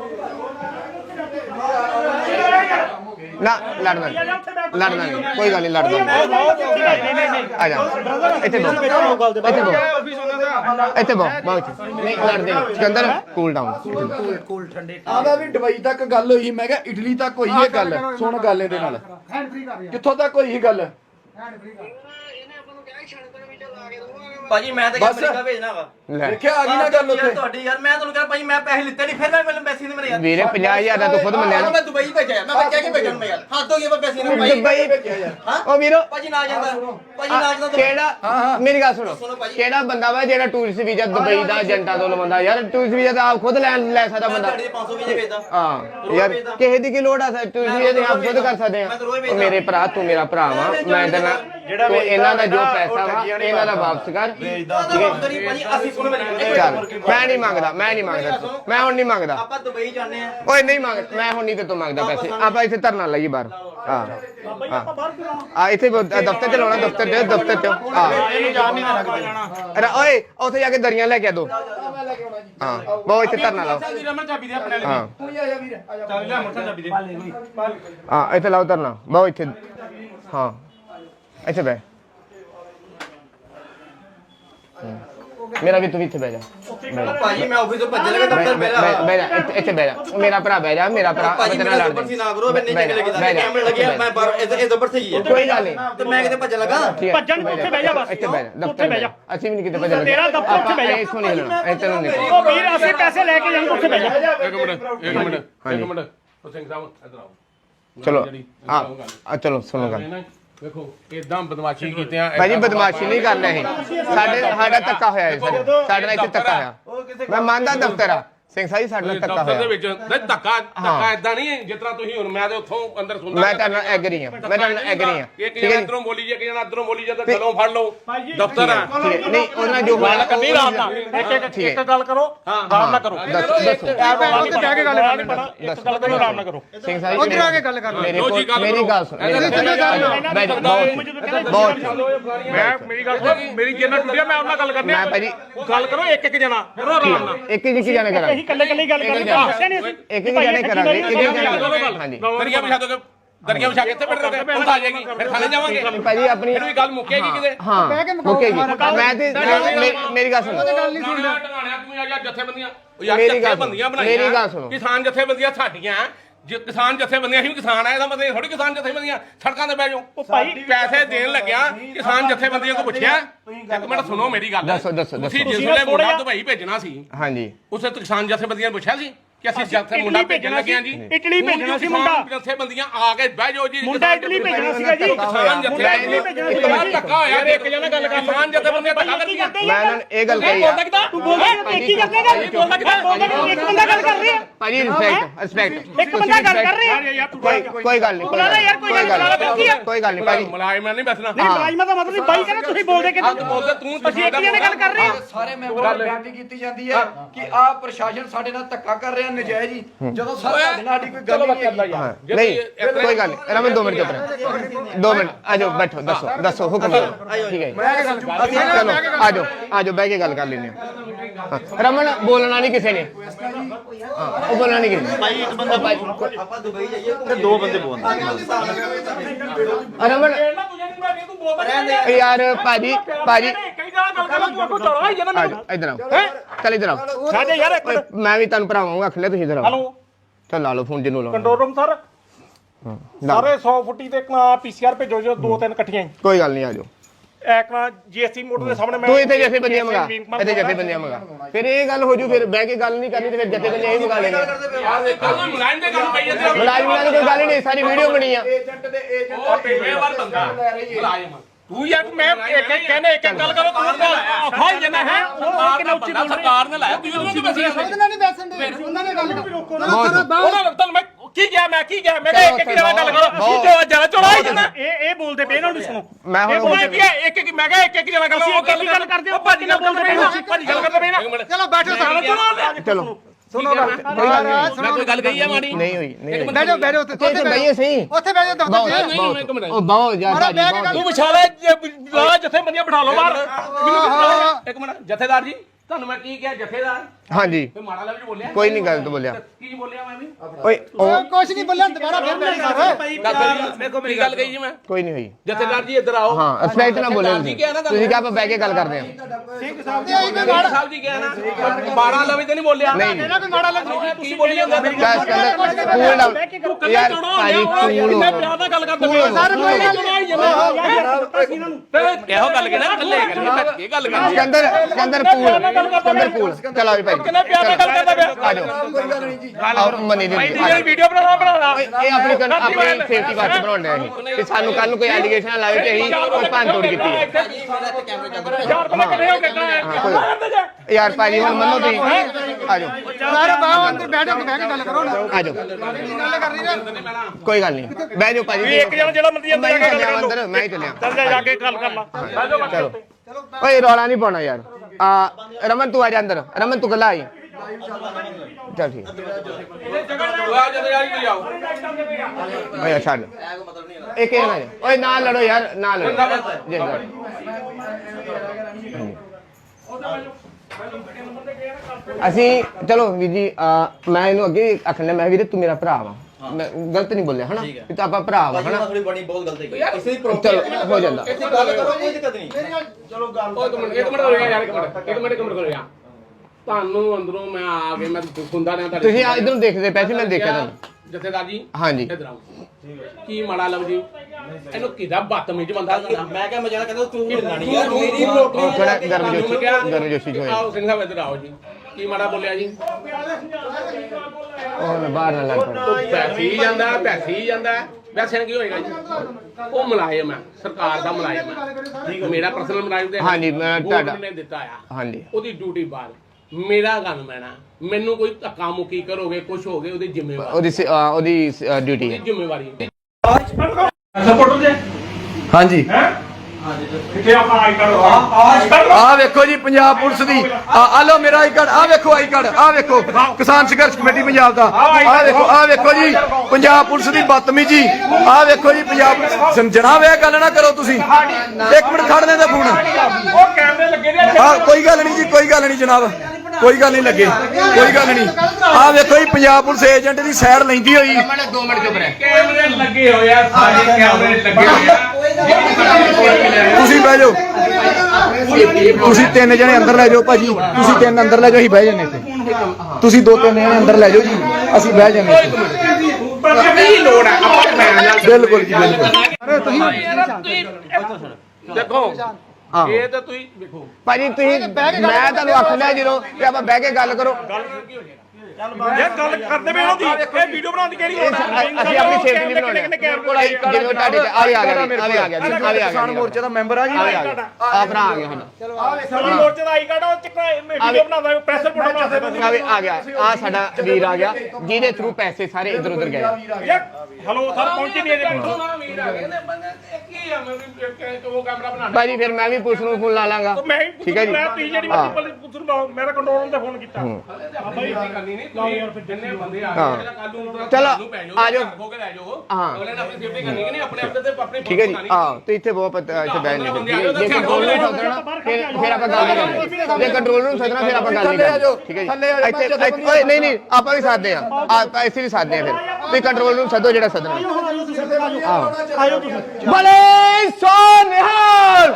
Speaker 1: ਨਾ ਲੜਨਾ ਨਹੀਂ ਕੋਈ ਗੱਲ ਨਹੀਂ ਲੜਦਾ ਆ ਜਾ ਇੱਥੇ ਬੋ ਇੱਥੇ ਬੋ ਨਹੀਂ ਲੜਦੇ ਨਹੀਂ ਸਿਕੰਦਰ ਕੂਲ ਡਾਊਨ
Speaker 3: ਆਦਾ ਵੀ ਦੁਬਈ ਤੱਕ ਗੱਲ ਹੋਈ ਮੈਂ ਕਿਹਾ ਇਟਲੀ ਤੱਕ ਹੋਈ ਇਹ ਗੱਲ ਸੁਣ ਗੱਲ ਇਹਦੇ ਨਾਲ
Speaker 5: ਹੈਂਡ ਫ੍ਰੀ ਕਰ ਰਿਹਾ
Speaker 3: ਕਿੱਥੋਂ ਤੱਕ ਹੋਈ ਗੱਲ
Speaker 5: ਹੈਂਡ ਫ੍ਰੀ ਕਰ
Speaker 4: ਭਾਜੀ ਮੈਂ ਤਾਂ
Speaker 3: ਬਸ।
Speaker 4: ਅਮਰੀਕਾ ਭੇਜਣਾ ਵਾ
Speaker 1: ਲੈ
Speaker 3: ਦੇਖਿਆ ਆ ਗਈ ਨਾ ਗੱਲ ਉੱਥੇ
Speaker 4: ਤੁਹਾਡੀ ਯਾਰ ਮੈਂ ਤੁਹਾਨੂੰ ਕਹਿੰਦਾ ਭਾਜੀ ਮੈਂ ਪੈਸੇ ਲਿੱਤੇ ਨਹੀਂ ਫਿਰ ਮੈਂ ਮੈਨੂੰ ਪੈਸੇ ਨਹੀਂ ਮੇਰੇ ਯਾਰ
Speaker 1: ਵੀਰੇ 50000 ਦਾ ਤੂੰ ਖੁਦ ਮੰਨਿਆ ਨਾ
Speaker 4: ਮੈਂ ਦੁਬਈ ਭੇਜਿਆ ਮੈਂ ਕਹਿ ਕੇ ਭੇਜਣ ਮੈਂ ਯਾਰ ਹੱਥ ਹੋ ਗਿਆ ਪੈਸੇ ਨਹੀਂ ਭਾਈ
Speaker 1: ਦੁਬਈ
Speaker 3: ਭੇਜਿਆ ਯਾਰ
Speaker 4: ਹਾਂ
Speaker 1: ਉਹ ਵੀਰੋ
Speaker 4: ਭਾਜੀ ਨਾ ਜਾਂਦਾ ਭਾਜੀ ਨਾ ਜਾਂਦਾ
Speaker 1: ਕਿਹੜਾ ਮੇਰੀ ਗੱਲ ਸੁਣੋ ਕਿਹੜਾ ਬੰਦਾ ਵਾ ਜਿਹੜਾ ਟੂਰਿਸਟ ਵੀਜ਼ਾ ਦੁਬਈ ਦਾ ਏਜੰਟਾਂ ਤੋਂ ਲਵਾਉਂਦਾ ਯਾਰ ਟੂਰਿਸਟ ਵੀਜ਼ਾ ਤਾਂ ਆਪ ਖੁਦ ਲੈ ਸਕਦਾ ਬੰਦਾ
Speaker 4: ਤੁਹਾਡੇ 500 ਵੀਜ਼ੇ ਭੇਜਦਾ
Speaker 1: ਹਾਂ ਯਾਰ ਕਿਸੇ ਦੀ ਕੀ ਲੋੜ ਆ ਟੂਰਿਸਟ ਵੀਜ਼ਾ ਤੇ ਆਪ ਖੁਦ ਕਰ ਸਕਦੇ ਆ ਉਹ ਮੇਰੇ ਭਰਾ ਤੂੰ ਮੇਰਾ ਭਰਾ ਵਾ ਮੈਂ ਤੇਨਾਂ ਤੂੰ ਇਹਨਾਂ ਦਾ ਜੋ ਪੈਸਾ ਵਾ ਇਹਨਾਂ ਦਾ ਵਾਪਸ ਕਰ ਠੀਕ ਹੈ
Speaker 4: ਭਾਜੀ ਅਸੀਂ ਸੁਣ ਮੇਰੀ
Speaker 1: ਚੱਲ ਮੈਂ ਨਹੀਂ ਮੰਗਦਾ ਮੈਂ ਹੁਣ ਨਹੀਂ ਮੰਗਦਾ
Speaker 4: ਆਪਾਂ ਦੁਬਈ ਜਾਂਦੇ ਆ
Speaker 1: ਓਏ ਨਹੀਂ ਮੰਗਦਾ ਮੈਂ ਹੁਣ ਨਹੀਂ ਤੇ ਤੂੰ ਮੰਗਦਾ ਪੈਸੇ ਆਪਾਂ ਇੱਥੇ ਧਰਨਾ ਲਾਈਏ ਬਾਹਰ ਹਾਂ ਆ ਇੱਥੇ ਦਫ਼ਤਰ ਚ ਲਾਉਣਾ ਦਫ਼ਤਰ ਚ
Speaker 2: ਇਹਨੂੰ ਜਾਣ ਨਹੀਂ ਦੇਣਾ ਕਿਤੇ
Speaker 1: ਓਏ ਉੱਥੇ ਜਾ ਕੇ ਦਰੀਆਂ ਲੈ ਕੇ ਆ ਦੋ ਹਾਂ ਬਹੁਤ ਇੱਥੇ ਧਰਨਾ ਲਾਓ
Speaker 2: ਰਮਨ ਚਾਬੀ ਦੇ ਆਪਣੇ
Speaker 1: ਹਾਂ
Speaker 3: ਤੂੰ ਹੀ ਆ ਜਾ ਵੀਰ ਆ ਜਾ
Speaker 2: ਚੱਲ ਲੈ ਮੋਟਰ ਚਾਬੀ ਦੇ
Speaker 1: ਹਾਂ ਇੱਥੇ ਲਾਓ ਧਰਨਾ ਬਹੁਤ ਇੱਥੇ ਹਾਂ ਇੱਥੇ ਬੈ ਮੇਰਾ ਵੀ ਤੂੰ ਵੀ ਇੱਥੇ ਬਹਿ ਜਾ
Speaker 4: ਭਾਜੀ ਮੈਂ ਆਫਿਸ ਤੋਂ ਭੱਜ ਲਗਾ ਦਫ਼ਤਰ ਮੇਰਾ
Speaker 1: ਬਹਿ ਜਾ ਇੱਥੇ ਬਹਿ ਜਾ ਮੇਰਾ ਭਰਾ ਬਹਿ ਜਾ ਮੇਰਾ ਭਰਾ
Speaker 4: ਭਾਜੀ
Speaker 1: ਤੇਰੇ
Speaker 4: ਮੇਰਾ
Speaker 1: ਨਾਲ
Speaker 4: ਜ਼ਬਰਦਸਤੀ ਨਾ ਕਰੋ ਮੈਂ ਨਹੀਂ ਚੰਗੇ ਲੱਗਦਾ ਕੈਮਰੇ ਲੱਗੇ ਮੈਂ ਬਾਹਰ ਇਹ ਜ਼ਬਰਦਸਤੀ ਹੀ ਹੈ
Speaker 1: ਕੋਈ ਗੱਲ ਨਹੀਂ
Speaker 4: ਤੇ ਮੈਂ ਕਿਤੇ ਭੱਜਣ ਲੱਗਾ
Speaker 1: ਠੀਕ ਹੈ
Speaker 2: ਭੱਜਣ ਨੂੰ ਉੱਥੇ ਬਹਿ ਜਾ ਬਸ
Speaker 1: ਇੱਥੇ ਬਹਿ ਜਾ
Speaker 2: ਉੱਥੇ ਬਹਿ ਜਾ
Speaker 1: ਅਸੀਂ ਵੀ ਨਹੀਂ ਕਿਤੇ ਭੱਜਣਾ
Speaker 2: ਤੇਰਾ ਦਫ਼ਤਰ ਉੱਥੇ ਬਹਿ ਜਾ
Speaker 1: ਇੱਥੋਂ ਨਹੀਂ ਹਿਲਣਾ ਇੱਥੇ ਨੂੰ ਨਹੀਂ
Speaker 2: ਉਹ ਵੀਰ ਅਸੀਂ ਪੈਸੇ ਲੈ ਕੇ ਜਾਣ ਉੱਥੇ ਬਹਿ ਜਾ
Speaker 6: ਉਹ ਸਿੰਘ ਸਾਹਿਬ ਇੱਧਰ ਆਓ
Speaker 1: ਚਲੋ ਆ ਚਲੋ ਸੁਣੋ ਗੱਲ
Speaker 6: ਵੇਖੋ ਇਦਾਂ ਬਦਮਾਸ਼ੀ ਕੀਤਿਆਂ
Speaker 1: ਭਾਜੀ ਬਦਮਾਸ਼ੀ ਨਹੀਂ ਕਰ ਰਹੇ ਸਾਡਾ ਧੱਕਾ ਹੋਇਆ ਹੈ ਸਾਡੇ ਨਾਲ ਇੱਥੇ ਧੱਕਾ ਹੋਇਆ ਮੈਂ ਮੰਨਦਾ ਦਫ਼ਤਰ ਆ ਸਿੰਘ ਸਾਹਿਬ ਸਾਡੇ ਨਾਲ ਧੱਕਾ
Speaker 6: ਦਫ਼ਤਰ ਦੇ
Speaker 1: ਹੋਇਆ
Speaker 6: ਵਿੱਚ ਨਹੀਂ ਧੱਕਾ ਇਦਾਂ ਨਹੀਂ ਜਿਸ ਤਰ੍ਹਾਂ ਤੁਸੀਂ ਹੁਣ ਮੈਂ ਤੇ ਉੱਥੋਂ ਅੰਦਰ ਸੁਣਦਾ
Speaker 1: ਮੈਂ ਤੁਹਾਡੇ ਨਾਲ ਐਗਰੀ ਹਾਂ
Speaker 6: ਇੱਕ ਜਣਾ ਇਧਰੋਂ ਬੋਲੀ ਜੇ ਕਿ ਜਣਾ ਇਧਰੋਂ ਬੋਲੀ ਜੇ ਤਾਂ ਗਲੋਂ ਫੜ ਲਓ ਦਫ਼ਤਰ ਆ
Speaker 1: ਨਹੀਂ ਉਹਨਾਂ ਜੋ ਹੋਇਆ
Speaker 2: ਕੰਨੀ ਰਾਮ ਨਾਲ ਇੱਕ ਗੱਲ ਕਰੋ ਆਰਾਮ ਨਾਲ ਕਰੋ
Speaker 1: ਦੱਸੋ
Speaker 2: ਬਹਿ ਕੇ ਗੱਲ ਕਰਨੀ ਇੱਕ ਗੱਲ ਕਰੋ ਆਰਾਮ ਨਾਲ ਕਰੋ
Speaker 1: ਸਿੰਘ ਸਾਹਿਬ
Speaker 5: ਉਧਰ ਆ ਕੇ ਗੱਲ ਕਰ
Speaker 1: ਮੇਰੇ ਕੋਲ ਮੇਰੀ ਗੱਲ ਸੁਣ ਬਹੁਤ
Speaker 2: ਮੇਰੀ ਗੱਲ ਮੇਰੀ ਜਿੰਨਾ ਟੁੱਟਿਆ ਮੈਂ ਉਹਨਾਂ ਗੱਲ ਕਰਨੀ
Speaker 1: ਮੈਂ ਭਾਜੀ
Speaker 2: ਗੱਲ ਕਰੋ ਇੱਕ ਜਣਾ ਕਰੋ ਆਰਾਮ ਨਾਲ
Speaker 1: ਇੱਕ ਹੀ ਜਾਣੇ ਕਰਾਂਗੇ
Speaker 2: ਅਸੀਂ ਕੱਲੇ ਗੱਲ ਕਰਦੇ ਦੱਸਿਆ ਨਹੀਂ ਅਸੀਂ
Speaker 1: ਇੱਕ ਹੀ ਜਾਣੇ ਕਰਾਂਗੇ ਇੱਕ ਹੀ ਜਾਣੇ ਹਾਂਜੀ
Speaker 6: ਦਰੀਆਂ ਵਿਛਾ ਦੋ ਦਰੀਆਂ ਵਿਛਾ ਕੇ ਇੱਥੇ ਬੈਠ ਰਹੇ ਪੁਲਿਸ ਆ ਜਾਏਗੀ ਫਿਰ ਖਾਣੇ ਜਾਵਾਂਗੇ
Speaker 1: ਭਾਜੀ ਆਪਣੀ
Speaker 6: ਫਿਰ ਵੀ ਗੱਲ ਮੁੱਕੇਗੀ ਕਿਤੇ
Speaker 1: ਹਾਂ ਓਕੇ ਜੀ ਮੈਂ ਤੇ ਮੇਰੀ ਗੱਲ ਸੁਣੋ
Speaker 6: ਟਿਕਾਣਿਆ ਤੂੰ ਯਾਰ ਜਥੇਬੰਦੀਆਂ ਯਾਰ
Speaker 1: ਮੇਰੀ ਗੱਲ
Speaker 6: ਜਥੇਬੰਦੀਆਂ
Speaker 1: ਸੁਣੋ, ਮੇਰੀ ਗੱਲ ਸੁਣੋ।
Speaker 6: ਬਣਾਈਆਂ ਕਿਸਾਨ ਜਥੇਬੰਦੀਆਂ ਸਾਡੀਆਂ ਜੇ ਕਿਸਾਨ ਜਥੇਬੰਦੀਆਂ ਅਸੀਂ ਕਿਸਾਨ ਆ ਇਹਦਾ ਮਤਲਬ ਥੋੜੀ ਕਿਸਾਨ ਜਥੇਬੰਦੀਆਂ ਸੜਕਾਂ ਤੇ ਬਹਿ ਜਾਓ
Speaker 2: ਉਹ ਭਾਈ
Speaker 6: ਪੈਸੇ ਦੇਣ ਲੱਗਿਆ ਕਿਸਾਨ ਜਥੇਬੰਦੀਆਂ ਕੋ ਪੁੱਛਿਆ ਇੱਕ ਮਿੰਟ ਸੁਣੋ ਮੇਰੀ ਗੱਲ
Speaker 1: ਦੱਸੋ
Speaker 6: ਤੁਸੀਂ ਜਿਸ ਵੇਲੇ ਮੁੰਡਾ ਦੁਬਈ ਭੇਜਣਾ ਸੀ
Speaker 1: ਹਾਂਜੀ
Speaker 6: ਉਸੇ ਕਿਸਾਨ ਜਥੇਬੰਦੀਆਂ ਨੂੰ ਪੁੱਛਿਆ ਸੀ ਕਿ ਅਸੀਂ ਜਥੇ ਮੁੰਡਾ ਭੇਜਣ ਲੱਗੇ ਆ ਜੀ
Speaker 2: ਇਟਲੀ ਭੇਜਣਾ ਸੀ ਮੁੰਡਾ
Speaker 6: ਜਥੇਬੰਦੀਆਂ ਆ ਕੇ ਬਹਿ ਜਾਓ ਜੀ
Speaker 2: ਮੁੰਡਾ ਇਟਲੀ ਭੇਜਣਾ ਸੀਗਾ ਜੀ
Speaker 6: ਕਿਸਾਨ
Speaker 2: ਮੁੰਡਾ ਇਟਲੀ ਭੇਜਣਾ
Speaker 6: ਇੱਕ
Speaker 2: ਸੀਗਾ
Speaker 6: ਵਾਰ ਧੱਕਾ ਹੋਇਆ ਦੇਖ ਜਾਣਾ ਗੱਲ ਕਰ ਕਿਸਾਨ ਜਥੇਬੰਦੀਆਂ ਧੱਕਾ ਕਰਦੀਆਂ
Speaker 1: ਮੈਂ ਇਹਨਾਂ ਨੂੰ ਇਹ ਗੱਲ ਕਹੀ ਆ
Speaker 2: ਤੂੰ ਬੋਲਦਾ ਇੱਕ ਹੀ ਕਰਨੇ ਗੱਲ ਇੱਕ ਬੰਦਾ ਗੱਲ ਕਰ ਰਿਹਾ
Speaker 1: ਭਾਜੀ ਰਿਸਪੈਕਟ
Speaker 2: ਇੱਕ ਬੰਦਾ ਗੱਲ ਕਰ ਰਿਹਾ
Speaker 1: ਕੋਈ ਗੱਲ ਨਹੀਂ
Speaker 2: ਬੁਲਾ ਲੈ ਯਾਰ ਕੋਈ
Speaker 1: ਕੋਈ ਗੱਲ ਨਹੀਂ ਭਾਜੀ
Speaker 6: ਮੁਲਾਜ਼ਮਾਂ ਨਹੀਂ ਬੈਠਣਾ
Speaker 2: ਨਹੀਂ ਮੁਲਾਜ਼ਮਾਂ ਦਾ ਮਤਲਬ ਬਾਈ ਕਹਿੰਦਾ ਤੁਸੀਂ ਬੋਲਦੇ ਕਿ
Speaker 6: ਬੋਲਦੇ ਤੂੰ
Speaker 2: ਅਸੀਂ ਇੱਕ ਜਣੇ ਗੱਲ ਕਰ ਰਹੇ ਹਾਂ
Speaker 3: ਸਾਰੇ ਮੈਂਬਰਾਂ ਨੂੰ ਬੇਨਤੀ ਕੀਤੀ ਜਾਂਦੀ ਹੈ ਕਿ ਆਹ ਪ੍ਰਸ਼ਾਸਨ ਸਾਡੇ ਨਾਲ ਧੱਕਾ ਕਰ ਰਿਹਾ ਨਜਾਇਜ਼ ਹੀ ਜਦੋਂ ਸਾਡੇ ਨਾਲ ਸਾਡੀ ਕੋਈ ਗੱਲ ਨਹੀਂ ਹੈਗੀ
Speaker 1: ਹਾਂ ਨਹੀਂ ਕੋਈ ਗੱਲ ਨਹੀਂ ਰਮਨ 2 ਮਿੰਟ ਚੁੱਪ ਰਹਿ 2 ਮਿੰਟ ਆ ਜਾਓ ਬੈਠੋ ਦੱਸੋ ਹੁਕਮ ਕਰੋ ਠੀਕ ਹੈ ਚਲੋ ਆ ਜਾਓ ਬਹਿ ਕੇ ਗੱਲ ਕਰ ਲੈਂਦੇ ਹਾਂ ਰਮਨ ਬੋਲਣਾ ਨਹੀਂ ਕਿਸੇ ਨੇ ਉਹ ਬੋਲਣਾ ਨਹੀਂ ਕਿਸੇ ਨੇ
Speaker 4: ਭਾਈ ਇੱਕ ਬੰਦਾ ਆਪਾਂ ਦੁਬਈ ਜਾਈਏ ਤੇ ਦੋ ਬੰਦੇ ਬੋਲਦੇ
Speaker 1: ਰਮਨ ਯਾਰ ਭਾਜੀ
Speaker 2: ਕਈ ਜਣਾ ਗੱਲ ਕਰ ਲਓ ਕੋਈ ਚੌੜਾ ਹੀ ਜਨਾ
Speaker 1: ਆ ਜਾਓ ਇਧਰ ਆਓ ਚੱਲ ਇਧਰ ਆਓ
Speaker 2: ਸਾਡੇ ਯਾਰ ਇੱਕ ਮਿੰਟ
Speaker 1: ਮੈਂ ਵੀ ਤੁਹਾਨੂੰ ਭਰਾਵਾਂਗਾ ਆਖ ਲਿਆ ਤੁਸੀਂ ਇਧਰ ਆਓ
Speaker 2: ਹੈਲੋ
Speaker 1: ਚੱਲ ਲਾ ਲਓ ਫੋਨ ਜਿਹਨੂੰ ਲਾਉਣਾ
Speaker 2: ਕੰਟਰੋਲ ਰੂਮ ਸਰ ਸਾਰੇ 100 ਫੁੱਟੀ ਤੇ ਇੱਕ ਪੀਸੀਆਰ ਭੇਜੋ ਜੋ 2-3 ਇਕੱਠੀਆਂ
Speaker 1: ਕੋਈ ਗੱਲ ਨਹੀਂ ਆ ਜਾਓ
Speaker 2: ਇੱਕ ਨਾ ਜੀਐਸਟੀ ਮੋਟਰ ਦੇ ਸਾਹਮਣੇ ਮੈਂ
Speaker 1: ਤੂੰ ਇੱਥੇ ਜੱਥੇ ਬੰਦੀਆਂ ਮੰਗਾ ਇੱਥੇ ਜੱਥੇ ਬੰਦੀਆਂ ਮੰਗਾ ਫਿਰ ਇਹ ਗੱਲ ਹੋ ਜੂ ਫਿਰ ਬਹਿ ਕੇ ਗੱਲ ਨਹੀਂ ਕਰਨੀ ਤੇ ਫਿਰ ਜੱਥੇ ਬੰਦੀਆਂ ਹੀ ਮੰਗਾ ਲੈਣੇ
Speaker 6: ਮੁਲਾਜ਼ਮ ਦੇ ਗੱਲ ਪਈ ਜਾਂਦੇ
Speaker 1: ਮੁਲਾਜ਼ਮਾਂ ਦੀ ਕੋਈ ਗੱਲ ਹੀ ਨਹੀਂ ਸਾਰੀ ਵੀਡੀਓ ਬਣੀ ਆ
Speaker 3: ਏਜੰਟ ਦੇ ਏਜੰਟ
Speaker 6: ਉਹ ਪੇਸ਼ੇਵਰ ਬੰਦਾ ਮੁਲਾਜ਼ਮ
Speaker 2: ਤੂੰ ਯਾਰ ਮੈਂ ਇੱਕ ਕਹਿੰਦੇ ਇੱਕ ਗੱਲ ਕਰੋ ਤੂੰ ਅਫਾਈ ਜਨਾ ਹੈ ਉਹ ਕਿੰਨਾ ਉੱਚੀ ਬੋਲ ਰਿਹਾ
Speaker 6: ਸਰਕਾਰ ਨੇ ਲਾਇਆ ਤੁਸੀਂ ਉਹਨੂੰ ਕਿਵੇਂ ਸੀ
Speaker 5: ਉਹਨਾਂ ਨੇ ਦੱਸਣ ਦੇ ਉਹਨਾਂ ਨੇ ਗੱਲ ਕਰੋ
Speaker 2: ਉਹਨਾਂ ਤੁਹਾਨੂੰ ਮੈਂ ਕੀ ਕਿਹਾ ਮੈਂ ਕਿਹਾ ਇੱਕ ਜਣਾ ਗੱਲ ਕਰੋ ਜੋ ਜਿਆਦਾ ਚੌੜਾ ਹੀ ਜਨਾ ਇਹ ਬੋਲਦੇ ਪਏ ਇਹਨਾਂ ਨੂੰ ਸੁਣੋ
Speaker 1: ਮੈਂ ਹੁਣ
Speaker 2: ਮੈਂ ਕਿਹਾ ਇੱਕ ਮੈਂ ਕਿਹਾ ਇੱਕ ਜਣਾ ਗੱਲ ਉਹ ਗੱਲ ਕਰਦੇ ਹੋ ਭਾਜੀ ਨਾਲ ਬੋਲਦੇ ਪਏ ਨਾ ਭਾਜੀ ਗੱਲ ਕਰਦੇ ਪਏ ਨਾ
Speaker 5: ਚਲੋ ਬੈਠੋ
Speaker 1: ਚਲੋ
Speaker 5: ਸੁਣੋ ਗੱਲ
Speaker 6: ਮੈਂ ਕੋਈ ਗੱਲ ਕਹੀ ਆ ਮਾੜੀ
Speaker 1: ਨਹੀਂ ਹੋਈ ਨਹੀਂ ਹੋਈ।
Speaker 5: ਬਹਿ ਜਾਓ ਉੱਥੇ
Speaker 1: ਉੱਥੇ ਬਈਏ ਸਹੀ
Speaker 5: ਉੱਥੇ ਬਹਿ ਜਾਓ ਦਫ਼ਤਰ 'ਚ
Speaker 6: ਨਹੀਂ ਮੈਂ ਇੱਕ ਮਿੰਟ
Speaker 1: ਉਹ ਬਾਹੋ ਜਾ
Speaker 5: ਮਾੜਾ ਬਹਿ ਕੇ ਗੱਲ-
Speaker 6: ਤੂੰ ਵਿਛਾਲੇ ਜਥੇ ਬੰਦੀਆਂ ਬਿਠਾ ਲਓ ਬਾਹਰ ਇੱਕ ਮਿੰਟ ਜਥੇਦਾਰ ਜੀ ਤੁਹਾਨੂੰ ਮੈਂ ਕੀ ਕਿਹਾ ਜਥੇਦਾਰ
Speaker 1: ਹਾਂਜੀ
Speaker 6: ਤੇ ਮਾੜਾ ਲਫ਼ਜ਼ ਬੋਲਿਆ
Speaker 1: ਕੋਈ ਨਹੀਂ ਗਲਤ ਬੋਲਿਆ
Speaker 6: ਕੀ ਬੋਲਿਆ ਮੈਂ ਵੀ
Speaker 1: ਓਏ ਉਹ
Speaker 5: ਕੁਛ ਨਹੀਂ ਬੋਲਿਆ ਦੁਬਾਰਾ ਫਿਰ ਮੇਰੀ ਸਰ
Speaker 6: ਦੇਖੋ ਮੇਰੀ ਗੱਲ ਕਹੀ ਜੀ ਮੈਂ
Speaker 1: ਕੋਈ ਨਹੀਂ ਹੋਈ
Speaker 6: ਜਥੇਦਾਰ ਜੀ ਇੱਧਰ ਆਓ
Speaker 1: ਹਾਂ ਰਿਸਪੈਕਟ ਨਾਲ ਬੋਲੇ
Speaker 6: ਜੀ ਕਿਹਾ ਨਾ
Speaker 1: ਤੁਸੀਂ ਕਿਹਾ ਆਪਾਂ ਬਹਿ ਕੇ ਗੱਲ ਕਰਦੇ ਹਾਂ
Speaker 6: ਸਾਹਿਬ ਜੀ ਕਿਹਾ ਨਾ ਮਾੜਾ ਲਫ਼ਜ਼ ਤੇ ਨਹੀਂ ਬੋਲਿਆ
Speaker 1: ਨਹੀਂ
Speaker 5: ਇਹਨਾਂ ਕੋਈ ਮਾੜਾ ਲੱਗਦਾ
Speaker 6: ਕੀ ਬੋਲੀ ਜਾਂਦਾ
Speaker 1: ਕਿਆ ਸਕੰਦਰ ਕੂਲ ਡਾਊਨ ਯਾਰ ਭਾਜੀ ਕੂਲ
Speaker 6: ਕਿੰਨੇ ਪਿਆਰ ਨਾਲ ਗੱਲ ਕਰਦੇ
Speaker 5: ਸਰ ਕੋਈ ਗੱਲ
Speaker 6: ਇਹੋ ਗੱਲ ਕਿ ਨਾ ਇਕੱਲੇ ਕਰਨੀ ਕੀ ਗੱਲ ਕਰਨੀ
Speaker 1: ਸਕੰਦਰ ਕੂਲ ਚਲੋ ਵੀ ਭਾਈ
Speaker 6: ਕਿੰਨੇ ਪਿਆਰ ਨਾਲ ਗੱਲ ਕਰਦਾ ਪਿਆ
Speaker 1: ਆ ਜਾਓ ਆਓ ਮਨੀ ਦੇ
Speaker 6: ਜਿਹੜੀ ਵੀਡੀਓ ਬਣਾ
Speaker 1: ਇਹ ਆਪਣੀ ਸੇਫਟੀ ਵਾਸਤੇ ਬਣਾਉਣ ਡਿਆ ਸੀ ਕਿ ਸਾਨੂੰ ਕੱਲ ਨੂੰ ਕੋਈ ਐਲੀਗੇਸ਼ਨ ਲਾਵੇ ਕਿ ਅਸੀਂ ਕੋਈ ਭੰਨ ਤੋੜ ਕੀਤੀ ਹੈ
Speaker 6: ਚਾਰ ਬੰਦੇ ਇਕੱਠੇ ਹੋ ਕੇ
Speaker 1: ਯਾਰ ਭਾਜੀ ਹੁਣ ਮੰਨੋ ਤੁਸੀਂ ਆ ਜਾਓ
Speaker 5: ਸਰ ਬਾਹਰ ਅੰਦਰ ਬਹਿ ਜਾਓ ਬਹਿ ਕੇ ਗੱਲ ਕਰੋ ਨਾ
Speaker 1: ਆ ਜਾਓ
Speaker 5: ਗੱਲ ਕਰਨੀ ਨਾ
Speaker 1: ਕੋਈ ਗੱਲ ਨਹੀਂ ਬਹਿ ਜਾਓ ਭਾਜੀ
Speaker 6: ਇੱਕ ਜਣਾ ਜਿਹੜਾ ਮਰਜ਼ੀ ਅੰਦਰ ਜਾ ਕੇ ਗੱਲ ਕਰ
Speaker 1: ਅੰਦਰ ਮੈਂ ਹੀ ਚੱਲਿਆ
Speaker 6: ਚੱਲ ਜਾ ਕੇ ਗੱਲ ਕਰ ਲਾ
Speaker 1: ਚਲੋ ਓਏ ਰੌਲਾ ਨਹੀਂ ਪਾਉਣਾ ਯਾਰ ਆ ਰਮਨ ਤੂੰ ਆ ਜਾ ਅੰਦਰ ਰਮਨ ਤੂੰ ਗੱਲਾਂ ਆਈ ਚੱਲ ਠੀਕ ਓਏ ਛੱਡ ਇੱਕ ਇਹ ਨਾ ਓਏ ਨਾ ਲੜੋ ਯਾਰ ਨਾ ਲੜੋ ਜੀ ਅਸੀਂ ਚਲੋ ਵੀਰ ਜੀ ਮੈਂ ਇਹਨੂੰ ਅੱਗੇ ਆਖਣਾ ਮੈਂ ਵੀਰੇ ਤੂੰ ਮੇਰਾ ਭਰਾ ਵਾ ਮੈਂ ਗਲਤ ਨਹੀਂ ਬੋਲਿਆ ਹਨਾ ਕਿ ਤਾਂ ਆਪਾਂ ਭਰਾ ਵਾ ਹਨਾ
Speaker 4: ਥੋੜੀ ਬਣੀ ਬਹੁਤ ਗਲਤ ਹੈ ਕਿਸੇ ਦੀ
Speaker 1: ਚਲੋ ਹੋ ਜਾਂਦਾ
Speaker 4: ਗੱਲ ਕਰੋ ਕੋਈ ਦਿੱਕਤ ਨਹੀਂ
Speaker 6: ਇੱਕ ਮਿੰਟ ਯਾਰ ਇੱਕ ਮਿੰਟ ਕਰੋ ਯਾਰ ਤੁਹਾਨੂੰ ਅੰਦਰੋਂ ਮੈਂ ਆ ਕੇ ਮੈਂ ਸੁਣਦਾ ਰਿਹਾ ਤੁਹਾਡੇ
Speaker 1: ਤੁਸੀਂ ਇਧਰੋਂ ਦੇਖਦੇ ਪਏ ਸੀ ਮੈਂ ਦੇਖਿਆ ਤੁਹਾਨੂੰ
Speaker 6: ਜਥੇਦਾਰ ਜੀ
Speaker 1: ਹਾਂਜੀ
Speaker 6: ਇੱਧਰ ਆਓ ਕੀ ਮਾੜਾ ਲਫ਼ਜ਼ ਜੀ ਇਹਨੂੰ ਕਿਦਾ ਬਦਤਮੀਜ਼ ਬੰਦਾ
Speaker 4: ਮੈਂ ਕਿਹਾ ਮਜਾਣਾ ਕਹਿੰਦਾ ਤੂੰ ਲੜਾਣੀ ਯਾਰ ਮੇਰੀ ਨੌਕਰੀ
Speaker 1: ਉਹ ਥੋੜਾ ਗਰਮਜੋਸ਼ੀ ਹੋਇਆ
Speaker 6: ਆਓ ਸਿੰਘ ਸਾਹਿਬ ਇੱਧਰ ਆਓ ਜੀ ਕੀ ਮਾੜਾ ਬੋਲਿਆ ਜੀ
Speaker 1: ਉਹ ਮੈਂ ਬਾਹਰ ਨਾ ਲੱਗ ਪੜਾ
Speaker 6: ਪੈਸੀ ਜਾਂਦਾ ਵੈਸੇ ਕੀ ਹੋਏਗਾ ਜੀ ਉਹ ਮੁਲਾਜ਼ਮ ਹੈ ਸਰਕਾਰ ਦਾ ਮੁਲਾਜ਼ਮ ਹੈ ਮੇਰਾ ਪਰਸਨਲ ਮੁਲਾਜ਼ਮ ਤੇ
Speaker 1: ਹਾਂਜੀ ਮੈਂ ਤੁਹਾਡਾ
Speaker 6: ਨੇ ਦਿੱਤਾ ਆ
Speaker 1: ਹਾਂਜੀ
Speaker 6: ਉਹਦੀ ਡਿਊਟੀ ਬਾਹਰ ਮੇਰਾ ਗਨਮੈਨ ਆ ਮੈਨੂੰ ਕੋਈ ਧੱਕਾ ਮੁੱਕੀ ਕਰੋਗੇ ਕੁਝ ਹੋਗੇ ਉਹਦੀ ਜ਼ਿੰਮੇਵਾਰੀ
Speaker 1: ਉਹਦੀ ਡਿਊਟੀ ਹੈ
Speaker 6: ਜ਼ਿੰਮੇਵਾਰੀ
Speaker 3: ਹਾਂਜੀ
Speaker 6: ਕਿੱਥੇ ਆਪਣਾ ਆਈ
Speaker 3: ਆ ਵੇਖੋ ਜੀ ਪੰਜਾਬ ਪੁਲਿਸ ਦੀ ਆ ਲਓ ਮੇਰਾ ਆਈ ਕਾਰਡ ਆ ਵੇਖੋ ਆਈ ਕਾਰਡ ਆ ਵੇਖੋ ਕਿਸਾਨ ਸੰਘਰਸ਼ ਕਮੇਟੀ ਪੰਜਾਬ ਦਾ ਆ ਵੇਖੋ ਜੀ ਪੰਜਾਬ ਪੁਲਿਸ ਦੀ ਬਦਤਮੀਜੀ ਆ ਵੇਖੋ ਜੀ ਪੰਜਾਬ ਜਨਾਬ ਇਹ ਗੱਲ ਨਾ ਕਰੋ ਤੁਸੀਂ ਇੱਕ ਮਿੰਟ ਖੜ ਲੈਂਦਾ ਫੋਨ
Speaker 6: ਉਹ ਕੈਮਰੇ ਲੱਗੇ ਨੇ
Speaker 3: ਹਾਂ ਕੋਈ ਗੱਲ ਨਹੀਂ ਜੀ ਕੋਈ ਗੱਲ ਨਹੀਂ ਜਨਾਬ ਕੋਈ ਗੱਲ ਨਹੀਂ ਲੱਗੇ ਕੋਈ ਗੱਲ ਨਹੀਂ ਆ ਵੇਖੋ ਜੀ ਪੰਜਾਬ ਪੁਲਿਸ ਏਜੰਟ ਦੀ ਸਾਈਡ ਲੈਂਦੀ ਹੋਈ
Speaker 1: 2 ਮਿੰਟ ਚੁੱਪ ਰਹਿ
Speaker 6: ਕੈਮਰੇ ਲੱਗੇ ਹੋਏ ਆ ਸਾਰੇ ਕੈਮਰੇ ਲੱਗੇ ਹੋਏ ਆ
Speaker 3: ਤੁਸੀਂ ਬਹਿ ਜਾਓ ਤੁਸੀਂ 3 ਜਣੇ ਅੰਦਰ ਲੈ ਜਾਓ ਭਾਜੀ ਤੁਸੀਂ 3 ਅੰਦਰ ਲੈ ਜਾਓ ਅਸੀਂ ਬਹਿ ਜੰਨੇ ਇੱਥੇ ਤੁਸੀਂ 2-3 ਜਣੇ ਅੰਦਰ ਲੈ ਜਾਓ ਜੀ ਅਸੀਂ ਬਹਿ ਜੰਨੇ
Speaker 6: ਪਰ ਕੀ ਲੋੜ ਹੈ ਆਪਾਂ ਭੈਣ ਨਾਲ
Speaker 3: ਬਿਲਕੁਲ ਜੀ ਬਿਲਕੁਲ
Speaker 6: ਦੇਖੋ
Speaker 1: ਹਾਂ
Speaker 6: ਇਹ ਤਾਂ ਤੁਸੀਂ ਵੇਖੋ
Speaker 1: ਭਾਜੀ ਤੁਸੀਂ ਮੈਂ ਤੁਹਾਨੂੰ ਆਖਣਾ ਜਦੋਂ ਕਿ ਆਪਾਂ ਬਹਿ ਕੇ ਗੱਲ ਕਰੋ
Speaker 6: ਇਹ ਗੱਲ ਕਰਦੇ ਪਏ ਉਹਦੀ ਇਹ ਵੀਡੀਓ ਬਣਾਉਣ ਦੀ ਕਿਹੜੀ ਲੋੜ ਹੈ
Speaker 1: ਅਸੀਂ ਆਪਣੀ ਸੇਫਟੀ ਨਹੀਂ ਬਣਾਉਣੀ ਜਿਵੇਂ ਤੁਹਾਡੇ ਤੇ ਆ ਗਿਆ
Speaker 3: ਕਿਸਾਨ ਮੋਰਚੇ ਦਾ ਮੈਂਬਰ ਆ ਜੀ
Speaker 1: ਆ ਭਰਾ ਆ ਗਿਆ ਸਾਡਾ
Speaker 6: ਸਾਡੀ ਮੋਰਚੇ ਦਾ ਆਈ ਕਾਰਡ ਉਹ ਚੱਕਾ ਵੀਡੀਓ ਬਣਾਉਂਦਾ ਪ੍ਰੈਸ ਰਿਪੋਰਟ ਵਾਸਤੇ
Speaker 1: ਆ ਗਿਆ ਆ ਸਾਡਾ ਵੀਰ ਆ ਗਿਆ ਜਿਹਦੇ ਥਰੂ ਪੈਸੇ ਸਾਰੇ ਇਧਰ ਉਧਰ ਗਏ
Speaker 6: ਹਲੋ ਸਰ ਪਹੁੰਚੇ ਨਹੀਂ ਅਜੇ ਪੁਲਿਸ ਵੀਰ ਆ ਗਏ ਨੇ ਬੰਦੇ ਕੀ ਆ ਮੈਂ ਉਹ ਕੈਮਰਾ ਬਣਾਣਾ
Speaker 1: ਭਾਜੀ ਫਿਰ ਮੈਂ ਵੀ ਪੁਲਿਸ ਨੂੰ ਫੋਨ ਲਾ ਲਾਂਗਾ ਠੀਕ ਹੈ ਜੀ
Speaker 6: ਤੁਸੀਂ ਜਿਹੜੀ ਪੁਲਿਸ ਨੂੰ ਮੇਰਾ ਕੰਟਰੋਲ ਤੇ ਫੋਨ ਕੀਤਾ ਬਾਈ ਕਰਨੀ ਨਹੀਂ ਜਿੰਨੇ ਬੰਦੇ ਆ ਗਏ ਜਿਹੜਾ ਕੱਲ ਨੂੰ
Speaker 1: ਚਲੋ ਆ ਜਾਓ
Speaker 6: ਹੋ ਕੇ ਲੈ ਜਾਓ
Speaker 1: ਹਾਂ
Speaker 6: ਅਗਲੇ ਨੇ ਆਪਣੀ ਸੇਫਟੀ ਕਰਨੀ ਕਿ ਨਹੀਂ ਆਪਣੇ ਆਪ ਤੇ ਆਪਣੇ
Speaker 1: ਠੀਕ ਹੈ ਜੀ ਹਾਂ ਤੇ ਇੱਥੇ ਬਹੁਤ ਇੱਥੇ ਬੈਠ ਨਹੀਂ ਜੇ ਕੰਟਰੋਲ ਨੂੰ ਸੱਦਣਾ ਫਿਰ ਆਪਾਂ ਗੱਲ ਨਹੀਂ ਕਰਨੀ ਜੇ ਕੰਟਰੋਲ ਨੂੰ ਸੱਦਣਾ ਫਿਰ ਆਪਾਂ ਗੱਲ ਨਹੀਂ ਕਰਨੀ ਠੀਕ ਹੈ ਜੀ ਇੱਥੇ ਓਏ ਨਹੀਂ ਆਪਾਂ ਵੀ ਸਾਧਦੇ ਆ ਆਪਾਂ ਇੱਥੇ ਵੀ ਸਾਧਦੇ ਆ ਫਿਰ ਤੁਸੀਂ ਕੰਟਰੋਲ ਨੂੰ ਸੱਦੋ ਜਿਹੜਾ ਸੱਦਣਾ
Speaker 2: ਆਇਓ ਤੁਸੀਂ
Speaker 1: ਬਲੇ ਸੋ ਨਿਹਾਲ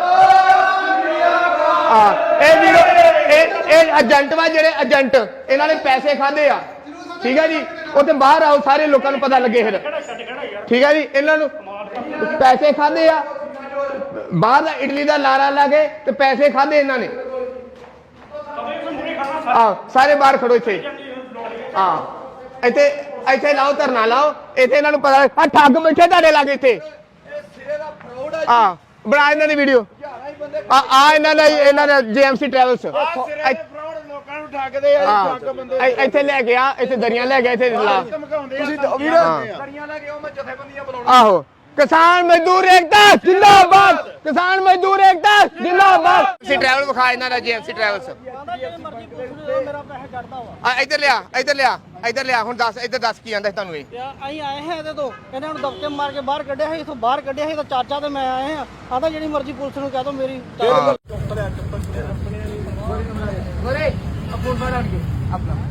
Speaker 1: ਇਹ ਵੀਰੋ ਇਹ ਏਜੰਟ ਵਾ ਜਿਹੜੇ ਏਜੰਟ ਇਹਨਾਂ ਨੇ ਪੈਸੇ ਖਾਦੇ ਆ ਠੀਕ ਹੈ ਜੀ ਉੱਥੇ ਬਾਹਰ ਆਓ ਸਾਰੇ ਲੋਕਾਂ ਨੂੰ ਪਤਾ ਲੱਗੇ ਫਿਰ ਠੀਕ ਹੈ ਜੀ ਇਹਨਾਂ ਨੂੰ ਪੈਸੇ ਖਾਦੇ ਆ ਬਾਹਰ ਦਾ ਇਟਲੀ ਦਾ ਲਾਰਾ ਲਾ ਕੇ ਤੇ ਪੈਸੇ ਖਾਦੇ ਇਹਨਾਂ ਨੇ ਸਾਰੇ ਬਾਹਰ ਖੜੋ ਇੱਥੇ ਇੱਥੇ ਲਾਓ ਧਰਨਾ ਲਾਓ ਇੱਥੇ ਇਹਨਾਂ ਨੂੰ ਪਤਾ ਆ ਠੱਗ ਬੈਠੇ ਤੁਹਾਡੇ ਲਾਗੇ ਇੱਥੇ ਬਣਾ ਇਹਨਾਂ ਦੀ ਵੀਡੀਓ ਇਹਨਾਂ ਦਾ ਜੀਐਮਸੀ ਟਰੈਵਲਸ
Speaker 5: ਲੋਕਾਂ ਨੂੰ ਠੱਗਦੇ ਆ ਠੱਗ ਬੰਦੇ
Speaker 1: ਇੱਥੇ ਲੈ ਗਿਆ ਇੱਥੇ ਦਰੀਆਂ ਲੈ ਗਿਆ ਇੱਥੇ ਲਾ
Speaker 5: ਤੁਸੀਂ ਵੀਡੀਓ ਦਰੀਆਂ ਲੈ ਕੇ ਉਹ ਮੈਂ ਜਥੇਬੰਦੀਆਂ ਬੁਲਾਉਣਾ
Speaker 1: ਆਹੋ ਕਿਸਾਨ ਮਜ਼ਦੂਰ ਏਕਤਾ ਜਿੰਦਾਬਾਦ, ਕਿਸਾਨ ਮਜ਼ਦੂਰ ਏਕਤਾ ਜਿੰਦਾਬਾਦ। ਸੀ ਟਰੈਵਲ ਵਿਖਾ ਇਹਨਾਂ ਦਾ ਜੀਐਮਸੀ ਟਰੈਵਲਸ।
Speaker 2: ਮੇਰਾ ਪੈਸੇ ਕੱਢਦਾ ਵਾ
Speaker 1: ਆ ਇੱਧਰ ਲਿਆ, ਇੱਧਰ ਲਿਆ, ਇੱਧਰ ਲਿਆ। ਹੁਣ ਦੱਸ, ਇੱਧਰ ਦੱਸ ਕੀ ਆਂਦਾ ਤੁਹਾਨੂੰ ਇਹ?
Speaker 2: ਅਸੀਂ ਆਏ ਹਾਂ ਇਹਦੇ ਤੋਂ, ਇਹਨਾਂ ਨੂੰ ਦਬਕੇ ਮਾਰ ਕੇ ਬਾਹਰ ਕੱਢਿਆ ਸੀ, ਇਥੋਂ ਬਾਹਰ ਕੱਢਿਆ ਸੀ ਤਾਂ ਚਾਚਾ ਤੇ ਮੈਂ ਆਏ ਹਾਂ। ਆਂਦਾ ਜਿਹੜੀ ਮਰਜ਼ੀ ਪੁਲਿਸ ਨੂੰ ਕਹਿ ਦੋ ਮੇਰੀ
Speaker 1: ਹਾਂ।